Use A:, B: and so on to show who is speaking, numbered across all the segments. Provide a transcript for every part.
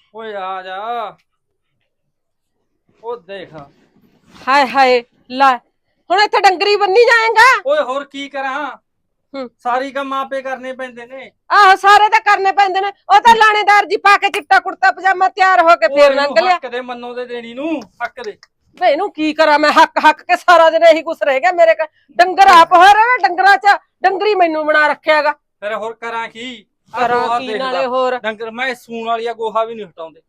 A: ਓਏ ਆ ਜਾ। ਉਹ ਦੇਖ।
B: ਹਾਏ ਹਾਏ ਲੈ ਹੁਣ ਇੱਥੇ ਡੰਗਰੀ ਬੰਨੀ ਜਾਏਗਾ।
A: ਓਏ ਹੋਰ ਕੀ ਕਰਾਂ?
B: ਹੂੰ
A: ਸਾਰੀ ਕੰਮ ਆਪੇ ਕਰਨੇ ਪੈਂਦੇ ਨੇ।
B: ਆਹੋ ਸਾਰੇ ਤਾਂ ਕਰਨੇ ਪੈਂਦੇ ਨੇ। ਉਹ ਤਾਂ ਲਾਣੇਦਾਰ ਜੀ ਪਾ ਕੇ ਚਿੱਟਾ ਕੁੜਤਾ ਪਜਾਮਾ ਤਿਆਰ ਹੋ ਕੇ
A: ਉਹ
B: ਫੇਰ
A: ਇਹਨੂੰ
B: ਲੰਘ ਲਿਆ।
A: ਹੱਕ ਦੇ ਮੰਨੋ ਦੇ ਦੇਣੀ ਨੂੰ ਹੱਕ ਦੇ।
B: ਵੇ ਇਹਨੂੰ ਕੀ ਕਰਾਂ ਮੈਂ ਹੱਕ ਹੱਕ ਕੇ ਸਾਰਾ ਦਿਨ ਇਹੀ ਕੁਛ ਰਹਿ ਗਿਆ ਮੇਰੇ ਕੋਲ। ਡੰਗਰ ਆਪ ਹੋ ਰਹੇ ਡੰਗਰਾਂ ਚ ਡੰਗਰੀ ਮੈਨੂੰ ਬਣਾ ਰੱਖਿਆਗਾ।
A: ਫਿਰ ਹੋਰ ਕਰਾਂ ਕੀ? ਆਹ
B: ਕਰਾਂ
A: ਗੋਹਾ
B: ਕੀ
A: ਦੇਖ
B: ਨਾਲੇ
A: ਲਾ।
B: ਹੋਰ
A: ਡੰਗਰ ਮੈਂ ਸੂਣ ਵਾਲੀਆ ਗੋਹਾ ਵੀ ਨਹੀਂ ਹਟਾਉਂਦੇ।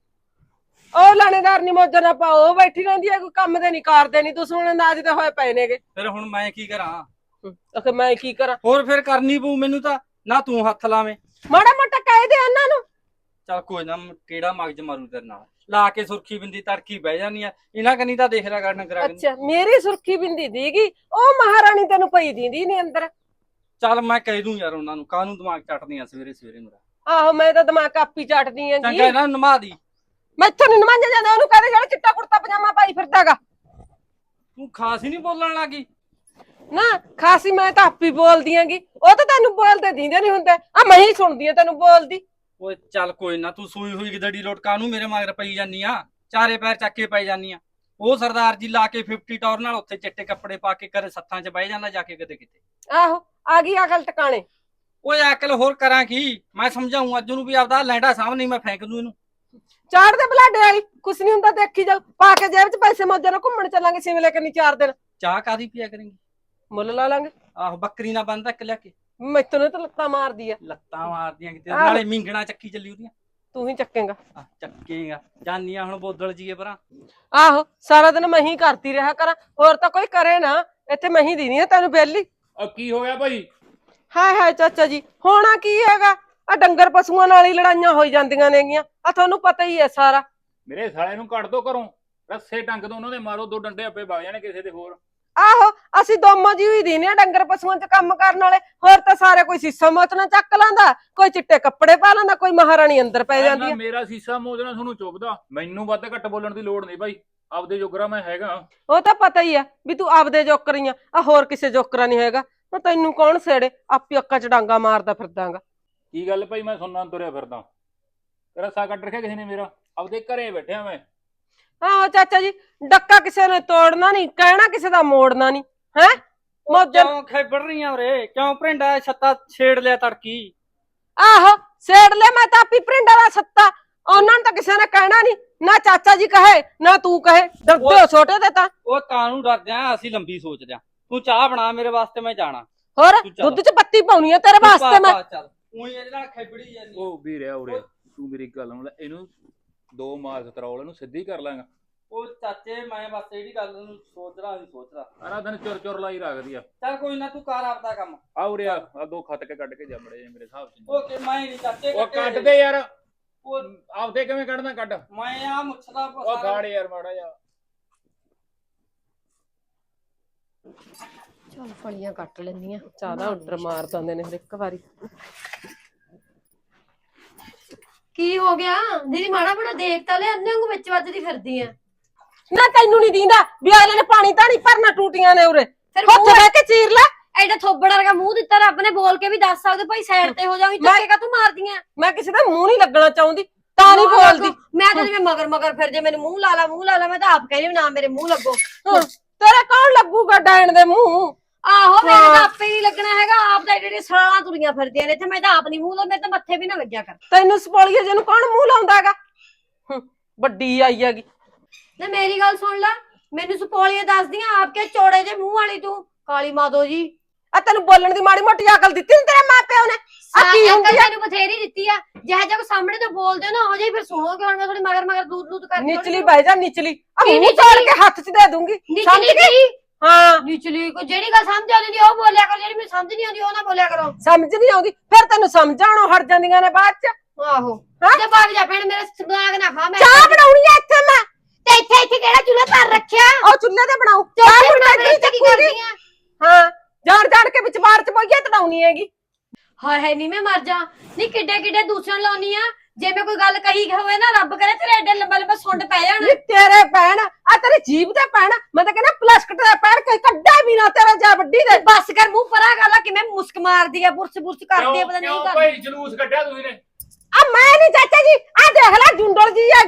B: ਉਹ ਲਾਣੇਦਾਰ ਨੀ ਮੌਜਾਂ ਨਾ ਪਾਓ ਉਹ ਬੈਠੀ ਰਹਿੰਦੀ ਹੈ ਕੋਈ ਕੰਮ ਦੇ ਨਹੀਂ ਕਰਦੇ ਨਹੀਂ ਤੁਸੀਂ ਹੁਣ ਨਾਜ ਤੇ ਹੋਏ ਪਏ ਨੇਗੇ।
A: ਫਿਰ ਹੁਣ ਮੈਂ ਕੀ ਕਰਾਂ?
B: ਅਖੇ ਮੈਂ ਕੀ ਕਰਾਂ?
A: ਹੋਰ ਫਿਰ ਕਰਨੀ ਪਊ ਮੈਨੂੰ ਤਾਂ। ਨਾ ਤੂੰ ਹੱਥ ਲਾਵੇਂ।
B: ਮਾੜਾ ਮੋਟਾ ਕਹਿ ਦੇ ਉਹਨਾਂ ਨੂੰ।
A: ਚੱਲ ਕੋਈ ਨਾ ਕਿਹੜਾ ਮਗਜ ਮਾਰੂ ਤੇਰੇ ਨਾਲ। ਲਾ ਕੇ ਸੁਰਖੀ ਬਿੰਦੀ ਤੜਕੀ ਬਹਿ ਜਾਨੀ ਆ। ਇਹਨਾਂ ਕਨੀ ਤਾਂ ਦੇਖ ਲਿਆ ਕਰ ਡੰਗਰਾਂ ਕਨੀ।
B: ਅੱਛਾ ਮੇਰੀ ਸੁਰਖੀ ਬਿੰਦੀ ਦੀਗੀ ਉਹ ਮਹਾਰਾਣੀ ਤੈਨੂੰ ਪਈ ਦੀਂਦੀ ਨੀ ਅੰਦਰ।
A: ਚੱਲ ਮੈਂ ਕਹਿ ਦੂੰ ਯਾਰ ਉਹਨਾਂ ਨੂੰ ਕਾਹਨੂੰ ਦਿਮਾਗ ਚੱਟਦੀ ਆ ਸਵੇਰੇ ਸਵੇਰੇ ਮੇਰਾ।
B: ਆਹੋ ਮੈਂ ਤਾਂ ਦਿਮਾਗ ਕਾਪੀ ਚਾਟਦੀ ਆਂਗੀ।
A: ਚੰਗਾ ਇਹਨਾਂ ਨੂੰ ਨਮਾ ਦੀ।
B: ਮੈਥੋਂ ਨੀ ਨਮਾਂਜਿਆ ਜਾਂਦਾ ਉਹਨੂੰ ਕਹਦੇ ਜਿਹੜਾ ਚਿੱਟਾ ਕੁੜਤਾ ਪਜਾਮਾ ਪਾਈ ਫਿਰਦਾਗਾ।
A: ਤੂੰ ਖਾਸ ਹੀ ਨਹੀਂ ਬੋਲਣ ਲੱਗੀ।
B: ਨਾ ਖਾਸੀ ਮੈਂ ਤਾਂ ਆਪੀ ਬੋਲਦੀ ਆਂਗੀ ਉਹ ਤਾਂ ਤੈਨੂੰ ਬੋਲਦੇ ਦੀਂਦੇ ਨਹੀਂ ਹੁੰਦੇ ਆ ਮੈਂ ਹੀ ਸੁਣਦੀ ਆ ਤੈਨੂੰ ਬੋਲਦੀ।
A: ਓਏ ਚੱਲ ਕੋਈ ਨਾ ਤੂੰ ਸੂਈ ਹੋਈ ਗਦੜੀ ਲੋਟ ਕਾਹਨੂੰ ਮੇਰੇ ਮਗਰ ਪਈ ਜਾਨੀ ਆ। ਚਾਰੇ ਪੈਰ ਚੱਕ ਕੇ ਪਈ ਜਾਨੀ ਆ। ਉਹ ਸਰਦਾਰ ਜੀ ਲਾ ਕੇ 50 ਟੌਰ ਨਾਲ ਉੱਥੇ ਚਿੱਟੇ ਕੱਪੜੇ ਪਾ ਕੇ ਕਦੇ ਸੱਥਾਂ 'ਚ ਬਹਿ ਜਾਂਦਾ ਜਾ ਕੇ ਕਿਤੇ ਕਿਤੇ।
B: ਆਹੋ ਆ ਗਈ ਅਕਲ ਟਿਕਾਣੇ।
A: ਓਏ ਅਕਲ ਹੋਰ ਕਰਾਂ ਕੀ? ਮੈਂ ਸਮਝਾਉਂ ਅੱਜ ਨੂੰ ਵੀ ਆਪਦਾ ਲੈਂਡਾ ਸਾਹਮਣੇ ਮੈਂ ਫੇਂਕ ਦੂੰ ਇਹਨੂੰ।
B: ਚਾੜ ਦੇ ਬਲਾਡੇ ਵਾਲੀ ਕੁਛ ਨਹੀਂ ਹੁੰਦਾ ਦੇਖੀ ਜਾ ਪਾ ਕੇ ਜੇਬ 'ਚ ਪੈਸੇ ਮੌਜਾਂ ਨਾਲ ਘੁੰਮਣ ਚੱਲਾਂਗੇ ਸਿਮਲੇ ਕਰਨੀ 4 ਦਿਨ।
A: ਚਾਹ ਕਾਦੀ ਪੀਆ ਕਰੇਂਗੀ?
B: ਮੁੱਲ ਲਾ ਲਾਂਗੇ।
A: ਆਹੋ ਬੱਕਰੀ ਨਾ ਬੰਦ ਤੱਕ ਲਿਆ ਕੇ।
B: ਮੈਥੋਂ ਨੇ ਤਾਂ ਲੱਤਾਂ ਮਾਰਦੀ ਆ।
A: ਲੱਤਾਂ ਮਾਰਦੀਆਂ ਕਿਤੇ
B: ਆਹੋ।
A: ਨਾਲੇ ਮਿੰਗਣਾ ਚੱਕੀ ਚੱਲੀ ਉਹਦੀਆਂ।
B: ਤੂੰ ਹੀ ਚੱਕੇਗਾ।
A: ਚੱਕੇਗਾ ਜਾਨੀਆਂ ਹੁਣ ਬੋਦਲ ਜੀਏ ਪਰਾਂ।
B: ਆਹੋ ਸਾਰਾ ਦਿਨ ਮੈਂ ਹੀ ਕਰਦੀ ਰਿਹਾ ਕਰਾਂ ਹੋਰ ਤਾਂ ਕੋਈ ਕਰੇ ਨਾ। ਇੱਥੇ ਮੈਂ ਹੀ ਦੀਨੀ ਆ ਤੈਨੂੰ ਬੇਲੀ।
C: ਕੀ ਹੋ ਗਿਆ ਭਾਈ?
B: ਹਾਏ ਹਾਏ ਚਾਚਾ ਜੀ ਹੋਣਾ ਕੀ ਹੈਗਾ ਆ ਡੰਗਰ ਪਸ਼ੂਆਂ ਨਾਲ ਹੀ ਲੜਾਈਆਂ ਹੋਈ ਜਾਂਦੀਆਂ ਨੇਗੀਆਂ ਆ ਤੁਹਾਨੂੰ ਪਤਾ ਹੀ ਹੈ ਸਾਰਾ।
C: ਮੇਰੇ ਸਾਲੇ ਨੂੰ ਕੱਢ ਦੋ ਘਰੋਂ। ਰੱਸੇ ਟੰਗ ਦੋ ਉਹਨਾਂ ਦੇ ਮਾਰੋ 2 ਡੰਡੇ ਆਪੇ ਵਗ ਜਾਣੇ ਕਿਸੇ ਦੇ ਹੋਰ।
B: ਆਹੋ ਅਸੀਂ ਦੋਮੋ ਜੀ ਹੀ ਦੀਨੇ ਆ ਡੰਗਰ ਪਸ਼ੂਆਂ 'ਚ ਕੰਮ ਕਰਨ ਵਾਲੇ ਹੋਰ ਤਾਂ ਸਾਰੇ ਕੋਈ ਸੀਸਾ ਮੋਚਣਾ ਚੱਕ ਲਾਂਦਾ ਕੋਈ ਚਿੱਟੇ ਕੱਪੜੇ ਪਾ ਲੈਂਦਾ ਕੋਈ ਮਹਾਰਾਣੀ ਅੰਦਰ ਪੈ ਜਾਂਦੀ ਆ।
C: ਮੇਰਾ ਸੀਸਾ ਮੋਜਣਾ ਤੁਹਾਨੂੰ ਚੁੱਭਦਾ ਮੈਨੂੰ ਵੱਧ ਘੱਟ ਬੋਲਣ ਦੀ ਲੋੜ ਨਹੀਂ ਭਾਈ। ਆਪਦੇ ਜੋਗਰਾ ਮੈਂ ਹੈਗਾ।
B: ਉਹ ਤਾਂ ਪਤਾ ਹੀ ਆ ਵੀ ਤੂੰ ਆਪਦੇ ਜੋਕਰੀਆਂ ਆ ਹੋਰ ਕਿਸੇ ਜੋਕਰਾ ਨਹੀਂ ਹੈਗਾ। ਤੈਨੂੰ ਕੌਣ ਸੇੜੇ ਆਪੀ ਅੱਕਾਂ 'ਚ ਡਾਂਗਾ ਮਾਰਦਾ ਫਿਰਦਾਗਾ।
C: ਕੀ ਗੱਲ ਭਾਈ ਮੈਂ ਸੁਣਨਾ ਤੁਰਿਆ ਫਿਰਦਾ। ਰੱਸਾ ਕੱਟ ਰੱਖਿਆ ਕਿਸੇ ਨੇ ਮੇਰਾ। ਆਪਦੇ ਘਰੇ ਬੈਠਿਆ ਮੈਂ।
B: ਆਹੋ ਚਾਚਾ ਜੀ ਡੱਕਾ ਕਿਸੇ ਨੇ ਤੋੜਨਾ ਨਹੀਂ ਕਹਿਣਾ ਕਿਸੇ ਦਾ ਮੋੜਨਾ ਨਹੀਂ ਹੈ। ਮੌਜਾਂ
A: ਕਿਉਂ ਖੇਬੜ ਰਹੀਆਂ ਉਰੇ? ਕਿਉਂ ਭਰਿੰਡਾ ਛੱਤਾ ਛੇੜ ਲਿਆ ਤੜਕੀ?
B: ਆਹੋ ਸੇੜ ਲੈ ਮੈਂ ਤਾਂ ਆਪੀ ਪ੍ਰਿੰਡਾ ਦਾ ਸੱਤਾ ਉਹਨਾਂ ਨੂੰ ਤਾਂ ਕਿਸੇ ਨੇ ਕਹਿਣਾ ਨਹੀਂ ਨਾ ਚਾਚਾ ਜੀ ਕਹੇ ਨਾ ਤੂੰ ਕਹੇ ਡਰਦੇ ਹੋ ਛੋਟੇ ਤੇ ਤਾਂ।
A: ਉਹ ਕਾਹਨੂੰ ਡਰਦੇ ਆ ਅਸੀਂ ਲੰਬੀ ਸੋਚਦੇ ਆ। ਤੂੰ ਚਾਹ ਬਣਾ ਮੇਰੇ ਵਾਸਤੇ ਮੈਂ ਜਾਣਾ।
B: ਹੋਰ
A: ਤੂੰ ਚੱਲ।
B: ਦੁੱਧ 'ਚ ਪੱਤੀ ਪਾਉਣੀ ਆ ਤੇਰੇ ਵਾਸਤੇ ਮੈਂ।
A: ਚੱਲ ਉਹੀ ਇਹਦੇ ਨਾਲ ਖੇਬੜੀ ਜਾਂਦੀ।
C: ਉਹ ਵੀ ਰਿਹਾ ਉਰੇ। ਤੂੰ ਮੇਰੀ ਗੱਲ ਨੂੰ ਲੈ ਇਹਨੂੰ 2 ਮਾਰ ਤਰੌਲ ਇਹਨੂੰ ਸਿੱਧੀ ਕਰ ਲਾਂਗਾ।
A: ਉਹ ਚਾਚੇ ਮੈਂ ਬਸ ਜਿਹੜੀ ਗੱਲ ਨੂੰ ਸੋਚਦਾ
C: ਸਾਰਾ ਦਿਨ ਚੁਰ ਚੁਰ ਲਾਈ ਰੱਖਦੀ ਆ।
A: ਚੱਲ ਕੋਈ ਨਾ ਤੂੰ ਕਰ ਆਪਦਾ ਕੰਮ।
C: ਆ ਉਰੇ ਆ 2 ਖੱਤ ਕੇ ਕੱਢ ਕੇ ਜਾ ਮੜੇ ਮੇਰੇ ਹਿਸਾਬ ਚ।
A: ਓਕੇ ਮੈਂ ਨਹੀਂ ਚਾਚੇ
C: ਉਹ ਕੱਢ ਦੇ ਯਾਰ।
A: ਉਹ
C: ਆਪਦੇ ਕਿਵੇਂ ਕੱਢਣਾ ਕੱਢ।
A: ਮੈਂ ਆ ਮੁੱਛਦਾ
C: ਉਹ ਖਾੜ ਯਾਰ ਮਾੜਾ ਜਾ।
B: ਚੱਲ ਫਲੀਆਂ ਕੱਟ ਲੈਂਦੀਆਂ ਚਾਹ ਦਾ ਆਰਡਰ ਮਾਰ ਦਿੰਦੇ ਨੇ ਹਰ ਇੱਕ ਵਾਰੀ।
D: ਕੀ ਹੋ ਗਿਆ ਦੀਦੀ? ਮਾੜਾ ਬੜਾ ਦੇਖ ਤਾਂ ਲੈ ਅੰਨੇ ਵਾਂਗੂ ਵਿੱਚ ਵੱਜਦੀ ਫਿਰਦੀ ਆ।
B: ਨਾ ਤੈਨੂੰ ਨਹੀਂ ਦੀਂਦਾ ਵੀ ਅਗਲੇ ਨੇ ਪਾਣੀ ਤਾਂ ਨਹੀਂ ਭਰਨਾ ਟੂਟੀਆਂ ਨੇ ਉਰੇ
D: ਫਿਰ
B: ਉੱਥੇ ਬਹਿ ਕੇ ਚੀਰ ਲੈ।
D: ਐਡਾ ਥੋਬੜ ਵਰਗਾ ਮੂੰਹ ਦਿੱਤਾ ਰੱਬ ਨੇ ਬੋਲ ਕੇ ਵੀ ਦੱਸ ਸਕਦੇ ਭਾਈ ਸਾਈਡ ਤੇ ਹੋ ਜਾਵੀਂ ਧੱਕੇ ਕਾ ਤੂੰ ਮਾਰਦੀਆਂ।
B: ਮੈਂ ਕਿਸੇ ਦਾ ਮੂੰਹ ਨਹੀਂ ਲੱਗਣਾ ਚਾਹੁੰਦੀ ਤਾਂ ਨਹੀਂ ਬੋਲਦੀ।
D: ਮੈਂ ਤਾਂ ਜਿਵੇਂ ਮਗਰ ਫਿਰ ਜੇ ਮੈਨੂੰ ਮੂੰਹ ਲਾ ਲਾ ਮੈਂ ਤਾਂ ਆਪ ਕਹਿੰਦੀ ਨਾ ਮੇਰੇ ਮੂੰਹ ਲੱਗੋ।
B: ਤੇਰਾ ਕੌਣ ਲੱਗੂਗਾ ਡੈਣ ਦੇ ਮੂੰਹ?
D: ਆਹੋ ਮੇਰੇ ਤਾਂ ਆਪੇ ਨਹੀਂ ਲੱਗਣਾ ਹੈਗਾ। ਆਪ ਤਾਂ ਜਿਹੜੇ ਸਰਾਲਾਂ ਤੁਰੀਆਂ ਫਿਰਦੀਆਂ ਨੇ ਇੱਥੇ। ਮੈਂ ਤਾਂ ਆਪ ਨਹੀਂ ਮੂੰਹ ਲਾ ਮੇਰੇ ਤਾਂ ਮੱਥੇ ਵੀ ਨਾ ਲੱਗਿਆ ਕਰ।
B: ਤੈਨੂੰ ਸਪੋਲੀਏ ਜਿਹਨੂੰ ਕੌਣ ਮੂੰਹ ਲਾਉਂਦਾ ਹੈਗਾ? ਵੱਡੀ ਆਈ ਹੈਗੀ।
D: ਨਾ ਮੇਰੀ ਗੱਲ ਸੁਣ ਲੈ ਮੈਨੂੰ ਸੁਪੋਲੀਏ ਦੱਸਦੀਆਂ ਆਪ ਕੇ ਚੋੜੇ ਜੇ ਮੂੰਹ ਵਾਲੀ ਤੂੰ ਕਾਲੀ ਮਾਦੋ ਜੀ।
B: ਆ ਤੈਨੂੰ ਬੋਲਣ ਦੀ ਮਾੜੀ ਮੋਟੀ ਅਕਲ ਦਿੱਤੀ ਨੀ ਤੇਰੇ ਮਾਂ ਪਿਓ ਨੇ? ਆ ਕੀ ਹੁੰਦੀ ਆ?
D: ਤੈਨੂੰ ਬਥੇਰੀ ਦਿੱਤੀ ਆ। ਜਿਹੋ ਜਿਹਾ ਸਾਹਮਣੇ ਤੋਂ ਬੋਲਦੇ ਹੋ ਨਾ ਉਹ ਜਿਹੀ ਫਿਰ ਸੁਣੋਗੇ। ਹੁਣ ਮੈਂ ਥੋੜੀ ਮਗਰ ਦੂਰ ਕਰਕੇ
B: ਨਿਚਲੀ ਬਹਿ ਜਾ ਨਿਚਲੀ ਆ
D: ਕੀ
B: ਮੂੰਹ ਤੋੜ ਕੇ ਹੱਥ 'ਚ ਦੇ ਦੂੰਗੀ ਸਮਝ ਗਈ? ਹਾਂ
D: ਨਿਚਲੀ ਕੋ ਜਿਹੜੀ ਗੱਲ ਸਮਝ ਆਉਂਦੀ ਉਹ ਬੋਲਿਆ ਕਰੋ ਜਿਹੜੀ ਮੈਨੂੰ ਸਮਝ ਨਹੀਂ ਆਉਂਦੀ ਉਹ ਨਾ ਬੋਲਿਆ ਕਰੋ।
B: ਸਮਝ ਨਹੀਂ ਆਉਂਦੀ ਫਿਰ ਤੈਨੂੰ ਸਮਝਾਉਣੋਂ ਹਟ ਜਾਂਦੀਆਂ ਨੇ ਬਾਅਦ 'ਚ।
D: ਆਹੋ ਤੇ ਭਾਗ ਜਾ ਭੈਣ ਮੇਰੇ ਦਿਮਾਗ ਨਾ ਖਾ। ਮੈਂ
B: ਚਾਹ ਬਣਾਉਣੀ ਆ ਇੱਥੇ ਮੈਂ
D: ਤੇ ਇੱਥੇ ਕਿਹੜਾ ਚੁੱਲ੍ਹਾ ਧਰ ਰੱਖਿਆ?
B: ਉਹ ਚੁੱਲ੍ਹੇ ਤੇ ਬਣਾਉ
D: ਚਾਹ ਬਣਾ ਮੇਰੇ ਤੇ ਕੀ ਕਰਦੀਆਂ?
B: ਹਾਂ ਜਾਣ ਕੇ ਵਿੱਚ ਬਾਹਰ 'ਚ ਪਈਆ ਤੜਾਉਣੀ ਹੈਗੀ।
D: ਹਾਏ ਨਹੀਂ ਮੈਂ ਮਰ ਜਾ। ਨਹੀਂ ਕਿੱਡੇ ਦੂਸਰਿਆਂ ਲਾਉਣੀ ਆ। ਜੇ ਮੈਂ ਕੋਈ ਗੱਲ ਕਹੀ ਹੋਵੇ ਨਾ ਰੱਬ ਕਰੇ ਤੇਰੇ ਐਡੇ ਲੰਬਾ ਸੁੰਡ ਪੈ ਜਾਣ।
B: ਨੀ ਤੇਰੇ ਪੈਣ ਆ ਤੇਰੀ ਜੀਭ ਤੇ ਪੈਣ ਮੈਂ ਤਾਂ ਕਹਿੰਦਾ ਪਲਾਸਟਿਕ ਦਾ ਪੈਣ ਕੋਈ ਕੱਢਾ ਵੀ ਨਾ ਤੇਰਾ ਜਾ ਵੱਡੀ ਦੇ।
D: ਬੱਸ ਕਰ ਮੂੰਹ ਪਰਾ ਕਰ ਲੈ ਕਿਵੇਂ ਮੁਸਕ ਮਾਰਦੀ ਆ ਬੁਰਸ ਕਰਦੀ ਆ ਪਤਾ ਨਹੀਂ
C: ਕਿਉਂ
D: ਕਰਦੀ।
C: ਭਾਈ ਜਲੂਸ ਕੱਢਿਆ ਤੁਸੀਂ ਨੇ?
B: ਆ ਮੈਂ ਨਹੀਂ ਚਾਚਾ ਜੀ ਆ ਦੇਖ ਲੈ ਜੁੰਡਲ ਜੀ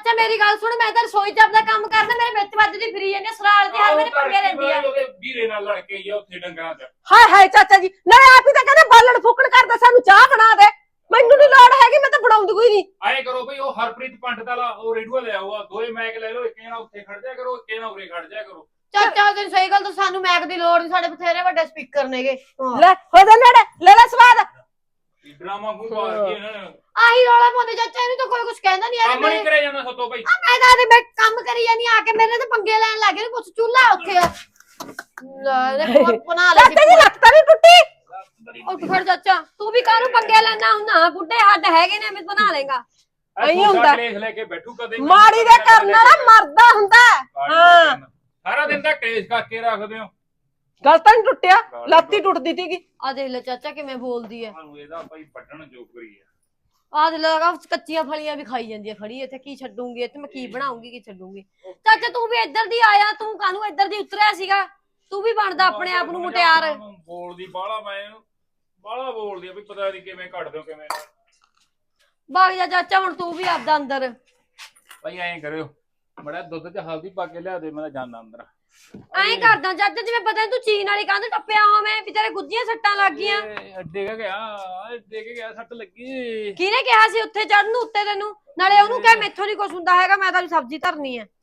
D: ਚਾਚਾ ਮੇਰੀ ਗੱਲ ਸੁਣ, ਮੈਂ ਤਾਂ ਰਸੋਈ 'ਚ ਆਪਦਾ ਕੰਮ ਕਰਨਾ, ਮੇਰੇ ਵਿੱਚ ਵੱਜਦੀ ਫਿਰੀ ਜਾਂਦੀ ਆ, ਸਰਾਲ ਤੇ ਹਰ ਮੇਰੇ ਪੰਗੇ ਲੈਂਦੀ ਆ।
C: ਉਹਦੇ ਵੀਰੇ ਨਾਲ ਲੜ ਕੇ ਗਿਆ ਉੱਥੇ ਡੰਗਰਾਂ 'ਚ।
B: ਹਾਏ ਹਾਏ ਚਾਚਾ ਜੀ, ਨਾਲੇ ਆਪ ਹੀ ਤਾਂ ਕਹਿੰਦੇ ਬਾਲਣ ਫੂਕਣ ਕਰਦਾ, ਸਾਨੂੰ ਚਾਹ ਬਣਾ ਦੇ। ਮੈਨੂੰ ਨਹੀਂ ਲੋੜ ਹੈਗੀ, ਮੈਂ ਤਾਂ ਬਣਾਉਂਦੀ ਕੋਈ ਨਹੀਂ।
C: ਐਂ ਕਰੋ ਬਈ, ਉਹ ਹਰਪ੍ਰੀਤ ਪੰਡਤ ਵਾਲਾ ਉਹ ਰੇਡੂਆ ਲੈ ਆਊਗਾ, ਦੋਏ ਮੈਕ ਲੈ ਲਓ, ਇੱਕ ਜਣਾ ਉੱਥੇ ਖੜ ਜਾਇਆ ਕਰੋ, ਇੱਕ ਜਣਾ ਉਰੇ ਖੜ ਜਾਇਆ ਕਰੋ।
D: ਚਾਚਾ ਤੈਨੂੰ ਸਹੀ ਗੱਲ ਤਾਂ ਸਾਨੂੰ ਮੈਕ ਦੀ ਲੋੜ ਨਹੀਂ, ਸਾਡੇ ਬਥੇਰੇ ਵੱਡੇ ਸਪੀਕਰ ਨੇਗੇ।
B: ਲੈ ਹੋ ਜਾ ਨੇੜੇ, ਲੈ ਲੈ ਸਵਾਦ।
C: ਡਰਾਮਾ ਕੋ ਮਾਰ ਕੇ ਇਹਨਾਂ ਨੇ
D: ਆਹੀ ਰੌਲਾ ਪਾਉਂਦੇ ਚਾਚਾ, ਇਹਨੂੰ ਤਾਂ ਕੋਈ ਕੁਝ ਕਹਿੰਦਾ ਨਹੀਂ
C: ਕੰਮ ਨਹੀਂ ਕਰਿਆ ਜਾਂਦਾ ਸਤੋਂ ਬਈ।
D: ਮੈਂ ਤਾਂ ਆਦੇ ਬੈਠ ਕੰਮ ਕਰੀ ਜਾਨੀ, ਆ ਕੇ ਮੇਰੇ ਤੇ ਪੰਗੇ ਲੈਣ ਲੱਗ ਗਏ, ਕੁਛ ਚੁੱਲ੍ਹਾ ਉੱਥੇ ਆ। ਲੈ ਕੋਲ ਬਣਾ ਲੈ
B: ਚਾਚਾ ਜੀ ਲੱਤ ਤਾਂ ਨਹੀਂ ਟੁੱਟੀ?
D: ਉਹ ਫੜ ਚਾਚਾ, ਤੂੰ ਵੀ ਕਾਹਨੂੰ ਪੰਗੇ ਲੈਣਾ ਹੁੰਦਾ, ਬੁੱਢੇ ਹੱਡ ਹੈਗੇ ਨੇ, ਮੈਂ ਬਣਾ ਲੇਗਾ।
B: ਐਂ ਹੁੰਦਾ।
C: ਕਲੇਸ਼ ਲੈ ਕੇ ਬੈਠੂ ਕਦੇ
B: ਮਾੜੀ ਦੇ ਕਰਨ ਵਾਲਾ ਮਰਦਾ ਹੁੰਦਾ। ਹਾਂ
C: ਸਾਰਾ ਦਿਨ ਤਾਂ ਕਲੇਸ਼ ਕਰਕੇ ਰੱਖਦੇ ਹੋ।
B: ਗੱਲ ਤਾਂ ਨਹੀਂ ਟੁੱਟਿਆ, ਲੱਤ ਹੀ ਟੁੱਟਦੀ ਸੀਗੀ।
D: ਆ ਦੇਖ ਲੈ ਚਾਚਾ ਕਿਵੇਂ ਬੋਲਦੀ ਐ।
C: ਤੁਹਾਨੂੰ ਇਹਦਾ ਭਾਈ ਵੱਢਣ ਜੋਗਰੀ ਆ।
D: ਆ ਦੇਖ ਲਗਾ ਕੱਚੀਆਂ ਫਲੀਆਂ ਵੀ ਖਾਈ ਜਾਂਦੀ ਐ ਖੜੀ ਇੱਥੇ, ਕੀ ਛੱਡੂਗੀ ਇੱਥੇ, ਮੈਂ ਕੀ ਬਣਾਉਂਗੀ, ਕੀ ਛੱਡੂਗੀ। ਚਾਚਾ ਤੂੰ ਵੀ ਇੱਧਰ ਦੀ ਆਇਆ, ਤੂੰ ਕਾਹਨੂੰ ਇੱਧਰ ਦੀ ਉਤਰਿਆ ਸੀਗਾ? ਤੂੰ ਵੀ ਬਣਦਾ ਆਪਣੇ ਆਪ ਨੂੰ ਮੁਟਿਆਰ।
C: ਬੋਲਦੀ ਬਾਹਲਾ, ਮੈਂ ਬਾਹਲਾ ਬੋਲਦੀ ਆ ਵੀ ਪਤਾ ਨਹੀਂ ਕਿਵੇਂ ਕੱਢ ਦਿਓ ਕਿਵੇਂ।
D: ਭਾਗ ਜਾ ਚਾਚਾ, ਹੁਣ ਤੂੰ ਵੀ ਆਪਦਾ ਅੰਦਰ।
C: ਭਾਈ ਐਂ ਕਰਿਓ, ਬੜਾ ਦੁੱਧ ਚ ਹਲਦੀ ਪਾ ਕੇ ਲਿਆ ਦੇ, ਮੈਂ ਜਾਣਾ ਅੰਦਰ।
D: ਐਂ ਕਰਦਾ ਚਾਚਾ ਜਿਵੇਂ ਪਤਾ ਨੀ ਤੂੰ ਚੀਨ ਵਾਲੀ ਕੰਧ ਟੱਪਿਆ ਹੋਵੇਂ, ਵੀ ਤੇਰੇ ਗੁੱਜੀਆਂ ਸੱਟਾਂ ਲੱਗ ਗਈਆਂ।
C: ਡਿੱਗ ਗਿਆ, ਸੱਟ ਲੱਗੀ।
D: ਕਿਹਨੇ ਕਿਹਾ ਸੀ ਉੱਥੇ ਚੜਨ ਨੂੰ ਉੱਤੇ ਤੈਨੂੰ? ਨਾਲੇ ਉਹਨੂੰ ਕਹਿ ਮੈਥੋਂ ਨੀ ਕੁਛ ਹੁੰਦਾ ਹੈਗਾ, ਮੈਂ ਤਾਂ ਸਬਜ਼ੀ ਧਰਨੀ ਐ।